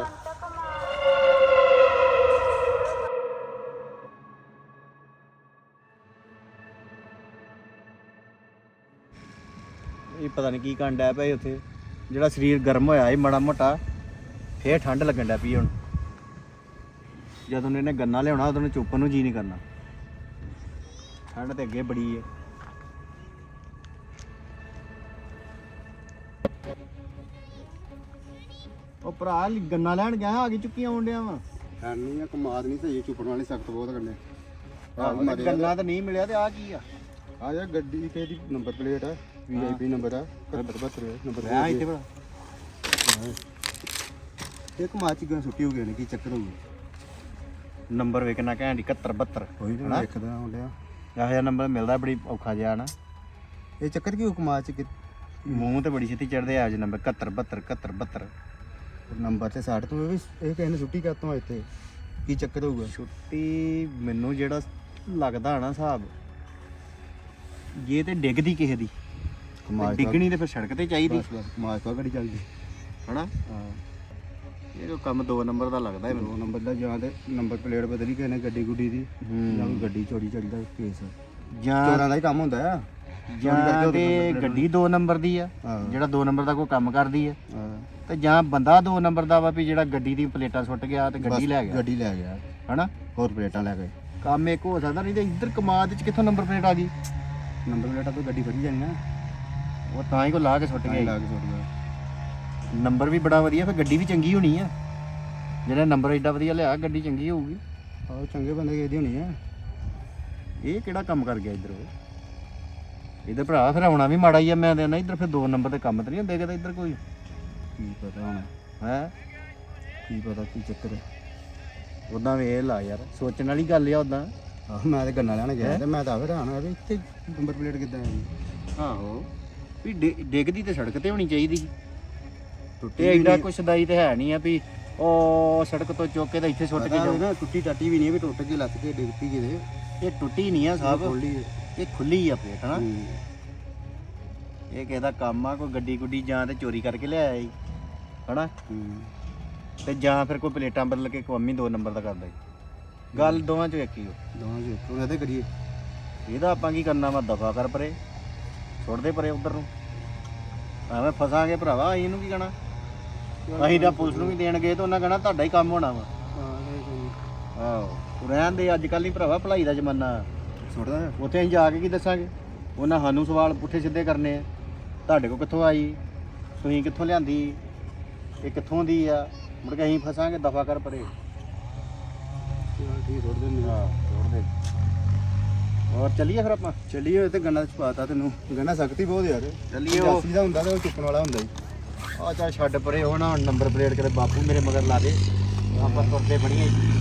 C: ਇਹ ਪਤਾ ਨਹੀਂ ਕੀ ਕਰਨ ਡਿਆ ਪਿਆ ਉੱਥੇ ਜਿਹੜਾ ਸਰੀਰ ਗਰਮ ਹੋਇਆ ਸੀ ਮਾੜਾ ਮੋਟਾ ਫੇਰ ਠੰਡ ਲੱਗਣ ਡਿਆ ਪਈ ਹੁਣ। ਜਦੋਂ ਇਹਨੇ ਗੰਨਾ ਲਿਆਉਣਾ ਉਦੋਂ ਇਹਨੇ ਚੁੱਪਣ ਨੂੰ ਜੀ ਨਹੀਂ ਕਰਨਾ। ਠੰਡ ਤੇ ਅੱਗੇ ਬੜੀ ਹੈ। ਉਹ ਭਰਾ ਗੰਨਾ ਲੈਣ ਗਿਆ ਆ ਗਈ ਚੁੱਕੀ ਆਉਣ ਡਿਆ ਵਾ।
B: ਨਹੀਂ ਆ ਕਮਾਦ ਨਹੀਂ ਸਹੀ ਚੁੱਕਣ ਵਾਲੇ ਸਖਤ ਬਹੁਤ ਗੰਨੇ
C: ਗੰਨਾ ਤਾਂ ਨਹੀਂ ਮਿਲਿਆ ਤੇ ਆ ਕੀ ਆ?
B: ਆ ਜਾ ਗੱਡੀ ਤੇ ਦੀ ਨੰਬਰ ਪਲੇਟ ਆ ਵੀ ਆਈ ਪੀ ਨੰਬਰ ਆ ਇਕਹੱਤਰ ਬਹੱਤਰ ਨੰਬਰ
C: ਆ ਇੱਥੇ ਭਰਾ
B: ਇੱਕ ਮਾਚ ਗਾਂ ਸੁੱਟੀ ਹੋ ਗਈ ਨੇ ਕੀ ਚੱਕਰ ਹੋ ਗਿਆ
C: ਨੰਬਰ ਵੇਖਣਾ ਘੈਂਟ ਇਕਹੱਤਰ ਬਹੱਤਰ
B: ਕੋਈ ਨਾ ਦੇਖਦਾ ਹੁੰਦਿਆ
C: ਇਹੋ ਜਿਹਾ ਨੰਬਰ ਮਿਲਦਾ ਬੜੀ ਔਖਾ ਜਿਹਾ ਨਾ।
B: ਇਹ ਚੱਕਰ ਕੀ ਹੁਕਮਾਤ ਚ ਕਿ
C: ਮੂੰਹ ਤੇ ਬੜੀ ਛੇਤੀ ਚੜਦੇ ਆ ਜੇ ਨੰਬਰ ਇਕਹੱਤਰ ਬਹੱਤਰ ਇਕਹੱਤਰ ਬਹੱਤਰ
B: ਨੰਬਰ ਤੇ ਸਾਠ ਤੋਂ ਇਹ ਵੀ ਇਹ ਕਿਸੇ ਨੇ ਛੁੱਟੀ ਕਰਤੋਂ ਇੱਥੇ ਕੀ ਚੱਕਰ ਹੋਊਗਾ
C: ਛੁੱਟੀ ਮੈਨੂੰ ਜਿਹੜਾ ਲੱਗਦਾ ਨਾ ਹਿਸਾਬ ਜੇ ਤੇ ਡਿੱਗਦੀ ਕਿਸੇ ਦੀ ਤੇ ਡਿੱਗਣੀ ਤੇ ਫਿਰ ਸੜਕ ਤੇ ਚਾਹੀਦੀ
B: ਬਸ ਬਸ ਮਾਚ ਪਾ ਗੱਡੀ ਚੱਲਦੀ
C: ਹਨਾ।
B: ਹਾਂ
C: ਇਹ ਜੋ ਕੰਮ ਦੋ ਨੰਬਰ ਦਾ ਲੱਗਦਾ ਹੈ
B: ਦੋ
C: ਮੈਨੂੰ।
B: ਨੰਬਰ ਦਾ ਜਾਂ ਤੇ ਨੰਬਰ ਪਲੇਟ ਬਦਲੀ ਕਿਸੇ ਨੇ ਗੱਡੀ ਗੁੱਡੀ ਦੀ ਜਾਂ ਕੋਈ ਗੱਡੀ ਚੋਰੀ ਚੜੀ ਦਾ ਕੇਸ
C: ਜਾਂ
B: ਚੋਰਾਂ ਦਾ ਹੀ ਕੰਮ ਹੁੰਦਾ ਆ
C: ਜਾਂ ਤੇ ਗੱਡੀ ਦੋ ਨੰਬਰ ਦੀ ਆ
B: ਹਾਂ।
C: ਜਿਹੜਾ ਦੋ ਨੰਬਰ ਦਾ ਕੋਈ ਕੰਮ ਕਰਦੀ ਆ
B: ਹਾਂ
C: ਤੇ ਜਾਂ ਬੰਦਾ ਦੋ ਨੰਬਰ ਦਾ ਵਾ ਵੀ ਜਿਹੜਾ ਗੱਡੀ ਦੀ ਪਲੇਟਾਂ ਸੁੱਟ ਗਿਆ ਤੇ ਗੱਡੀ ਲੈ ਗਿਆ
B: ਗੱਡੀ ਲੈ ਗਿਆ
C: ਹਨਾ।
B: ਹੋਰ ਪਲੇਟਾਂ ਲੈ ਗਏ
C: ਕੰਮ ਇੱਕ ਹੋ ਸਕਦਾ ਨਹੀਂ ਤੇ ਇੱਧਰ ਕਮਾਦ ਚ ਕਿੱਥੋਂ ਨੰਬਰ ਪਲੇਟ ਆ ਗਈ?
B: ਨੰਬਰ ਪਲੇਟਾਂ ਤੋਂ ਗੱਡੀ ਫੜੀ ਜਾਣੀ ਨਾ
C: ਉਹ ਤਾਂ ਹੀ ਕੋ ਲਾ ਕੇ ਸੁੱਟ
B: ਲਾ
C: ਗਿਆ।
B: ਕੇ ਸੁੱਟ ਗਿਆ
C: ਨੰਬਰ ਵੀ ਬੜਾ ਵਧੀਆ ਫਿਰ ਗੱਡੀ ਵੀ ਚੰਗੀ ਹੋਣੀ ਆ। ਜਿਹੜਾ ਨੰਬਰ ਐਡਾ ਵਧੀਆ ਲਿਆ ਗੱਡੀ ਚੰਗੀ ਹੋਊਗੀ।
B: ਆਹ ਚੰਗੇ ਬੰਦੇ ਕਿਸੇ ਦੀ ਹੋਣੀ ਆ
C: ਇਹ ਕਿਹੜਾ ਕੰਮ ਕਰ ਗਿਆ ਇੱਧਰ ਉਹ? ਇੱਧਰ ਭਰਾ ਫਿਰ ਆਉਣਾ ਵੀ ਮਾੜਾ ਹੀ ਆ। ਮੈਂ ਦੇਣਾ ਇੱਧਰ ਫਿਰ ਦੋ ਨੰਬਰ ਦੇ ਕੰਮ ਤੇ ਨਹੀਂ ਹੁੰਦੇ ਕਿਤੇ ਇੱਧਰ ਕੋਈ
B: ਕੀ ਪਤਾ ਹੁਣ
C: ਹੈ।
B: ਕੀ ਪਤਾ ਕੀ ਚੱਕਰ ਹੈ
C: ਉਦਾਂ ਵੇਖ ਲਾ ਯਾਰ ਸੋਚਣ ਵਾਲੀ ਗੱਲ ਆ ਉਦਾਂ।
B: ਆਹ ਮੈਂ ਤੇ ਗੰਨਾ ਲੈਣ ਗਿਆ ਤੇ ਮੈਂ ਤਾਂ ਹੈਰਾਨ ਹੋਇਆ ਵੀ ਇੱਥੇ ਨੰਬਰ ਪਲੇਟ ਕਿੱਦਾਂ ਆਈ
C: ਆਹੋ ਵੀ ਡਿ- ਡਿੱਗਦੀ ਤੇ ਸੜਕ ਤੇ ਹੋਣੀ ਚਾਹੀਦੀ ਸੀ।
B: ਟੁੱਟੀ
C: ਤੇ ਐਡਾ ਕੁਛ ਸਦਾਈ ਤੇ ਹੈ ਨਹੀਂ ਆ ਵੀ ਉਹ ਸੜਕ ਤੋਂ ਚੁੱਕ ਕੇ ਤਾਂ ਇੱਥੇ ਸੁੱਟ ਕੇ
B: ਪਤਾ
C: ਜਾਓ।
B: ਵੀ ਨਾ ਟੁੱਟੀ ਟੱਟੀ ਵੀ ਨਹੀਂ ਵੀ ਟੁੱਟ ਕੇ ਲੱਤ ਕੇ ਡਿੱਗਤੀ ਕਿਤੇ
C: ਇਹ ਟੁੱਟੀ ਨਹੀਂ ਆ ਸਾਹਿਬ,
B: ਖੋਲੀ ਹੈ
C: ਇਹ ਖੁੱਲੀ ਆ ਪਲੇਟ ਹਨਾ।
B: ਹੂੰ।
C: ਇਹ ਕਿਸੇ ਦਾ ਕੰਮ ਆ ਕੋਈ ਗੱਡੀ ਗੁੱਡੀ ਜਾਂ ਤੇ ਚੋਰੀ ਕਰਕੇ ਲਿਆਇਆ ਜੀ ਹਨਾ।
B: ਹੂੰ।
C: ਤੇ ਜਾਂ ਫਿਰ ਕੋਈ ਪਲੇਟਾਂ ਬਦਲ ਕੇ ਕੌਮੀ ਦੋ ਨੰਬਰ ਦਾ ਕਰਦਾ ਜੀ। ਗੱਲ ਦੋਵਾਂ ਚੋਂ ਇੱਕ ਹੀ ਹੋ।
B: ਦੋਵਾਂ ਜੀ ਇੱਕੋ ਇਹਦੇ ਕਰੀਏ
C: ਇਹਦਾ ਆਪਾਂ ਕੀ ਕਰਨਾ ਵਾ ਦਫਾ ਕਰ ਪਰੇ ਛੋੜ ਦੇ ਪਰੇ ਉਧਰ ਨੂੰ ਐਵੇਂ ਫਸਾਂਗੇ ਭਰਾਵਾ ਅਸੀਂ ਇਹਨੂੰ ਕੀ ਕਹਿਣਾ। ਅਸੀਂ ਤਾਂ ਪੁਲਿਸ ਨੂੰ ਵੀ ਦੇਣ ਗਏ ਤਾਂ ਉਹਨਾਂ ਕਹਿਣਾ ਤੁਹਾਡਾ ਹੀ ਕੰਮ ਹੋਣਾ ਵਾ। ਆਹੋ ਰਹਿਣ ਦੇ ਅੱਜ ਕੱਲ੍ਹ ਨਹੀਂ ਭਰਾਵਾ ਭਲਾਈ ਦਾ ਜ਼ਮਾਨਾ।
B: ਛੋੜਦਾ
C: ਉੱਥੇ ਅਸੀਂ ਜਾ ਕੇ ਕੀ ਦੱਸਾਂਗੇ? ਉਹਨਾਂ ਸਾਨੂੰ ਸਵਾਲ ਪੁੱਠੇ ਸਿੱਧੇ ਕਰਨੇ ਆ। ਤੁਹਾਡੇ ਕੋਲ ਕਿੱਥੋਂ ਆਈ, ਤੁਸੀਂ ਕਿੱਥੋਂ ਲਿਆਂਦੀ, ਇਹ ਕਿੱਥੋਂ ਦੀ ਆ, ਮੁੜ ਕੇ ਅਸੀਂ ਫਸਾਂਗੇ ਦਫਾ ਕਰ ਪਰੇ।
B: ਠੀਕ ਛੋੜ ਦਿੰਦੇ
C: ਹਾਂ ਛੋੜ ਦੇ। ਹੋਰ ਚੱਲੀਏ ਫਿਰ ਆਪਾਂ।
B: ਚੱਲੀਏ ਤੇ ਗੰਨਾ ਛਪਾਤਾ ਤੈਨੂੰ ਗੰਨਾ ਸਖਤੀ ਬਹੁਤ ਯਾਰ
C: ਚੱਲੀਏ ਉਹ
B: ਜਾਸੀ ਦਾ ਹੁੰਦਾ ਤੇ ਉਹ ਚੁੱਕਣ ਵਾਲਾ ਹੁੰਦਾ ਜੀ
C: ਆ ਚੱਲ ਛੱਡ ਪਰੇ ਉਹ ਨਾ ਨੰਬਰ ਪਲੇਟ ਕਰੇ ਬਾਪੂ ਮੇਰੇ ਮਗਰ ਲਾ ਦੇ ਆਪਾਂ ਤੁਰਦੇ ਬੜੀਆਂ